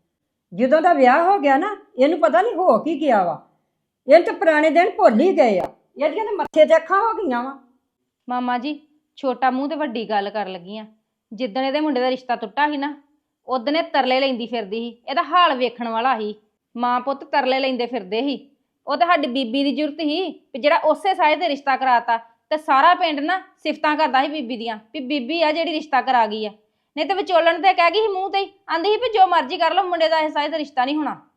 [SPEAKER 10] ਜਦੋਂ ਦਾ ਵਿਆਹ ਹੋ ਗਿਆ ਨਾ ਇਹਨੂੰ ਪਤਾ ਨਹੀਂ ਹੋ ਕੀ ਗਿਆ ਵਾ। ਇਹ ਤਾਂ ਪੁਰਾਣੇ ਦਿਨ ਭੁੱਲ ਹੀ ਗਏ ਆ। ਇਹਦੀਆਂ ਤਾਂ ਮੱਥੇ ਤੇ ਅੱਖਾਂ ਹੋ ਗਈਆਂ ਵਾ।
[SPEAKER 8] ਮਾਮਾ ਜੀ ਛੋਟਾ ਮੂੰਹ ਤੇ ਵੱਡੀ ਗੱਲ ਕਰਨ ਲੱਗੀ ਆ। ਜਿੱਦਣ ਇਹਦੇ ਮੁੰਡੇ ਦਾ ਰਿਸ਼ਤਾ ਟੁੱਟਾ ਸੀ ਨਾ ਉਦਣ ਇਹ ਤਰਲੇ ਲੈਂਦੀ ਫਿਰਦੀ ਸੀ। ਇਹਦਾ ਹਾਲ ਵੇਖਣ ਵਾਲਾ ਸੀ। ਮਾਂ ਪੁੱਤ ਤਰਲੇ ਲੈਂਦੇ ਫਿਰਦੇ ਸੀ। ਉਹ ਤਾਂ ਸਾਡੀ ਬੀਬੀ ਦੀ ਜ਼ਰੂਰਤ ਸੀ ਵੀ ਜਿਹੜਾ ਉਸੇ ਸਾਏ ਤੇ ਰਿਸ਼ਤਾ ਕਰਾਤਾ ਤੇ ਸਾਰਾ ਪਿੰਡ ਨਾ ਸਿਫਤਾਂ ਕਰਦਾ ਸੀ ਬੀਬੀ ਦੀਆਂ ਵੀ ਬੀਬੀ ਆ ਜਿਹੜੀ ਰਿਸ਼ਤਾ ਕਰਾ ਗਈ ਆ। ਨਹੀਂ ਤੇ ਵਿਚੋਲਣ ਤੇ ਕਹਿ ਗਈ ਸੀ ਮੂੰਹ ਤੇ ਹੀ, ਆਂਦੀ ਸੀ ਵੀ ਜੋ ਮਰਜ਼ੀ ਕਰ ਲਓ ਮੁੰਡੇ ਦਾ ਇਸ ਸਾਏ ਤੇ ਰਿਸ਼ਤਾ ਨਹੀਂ ਹੋਣਾ।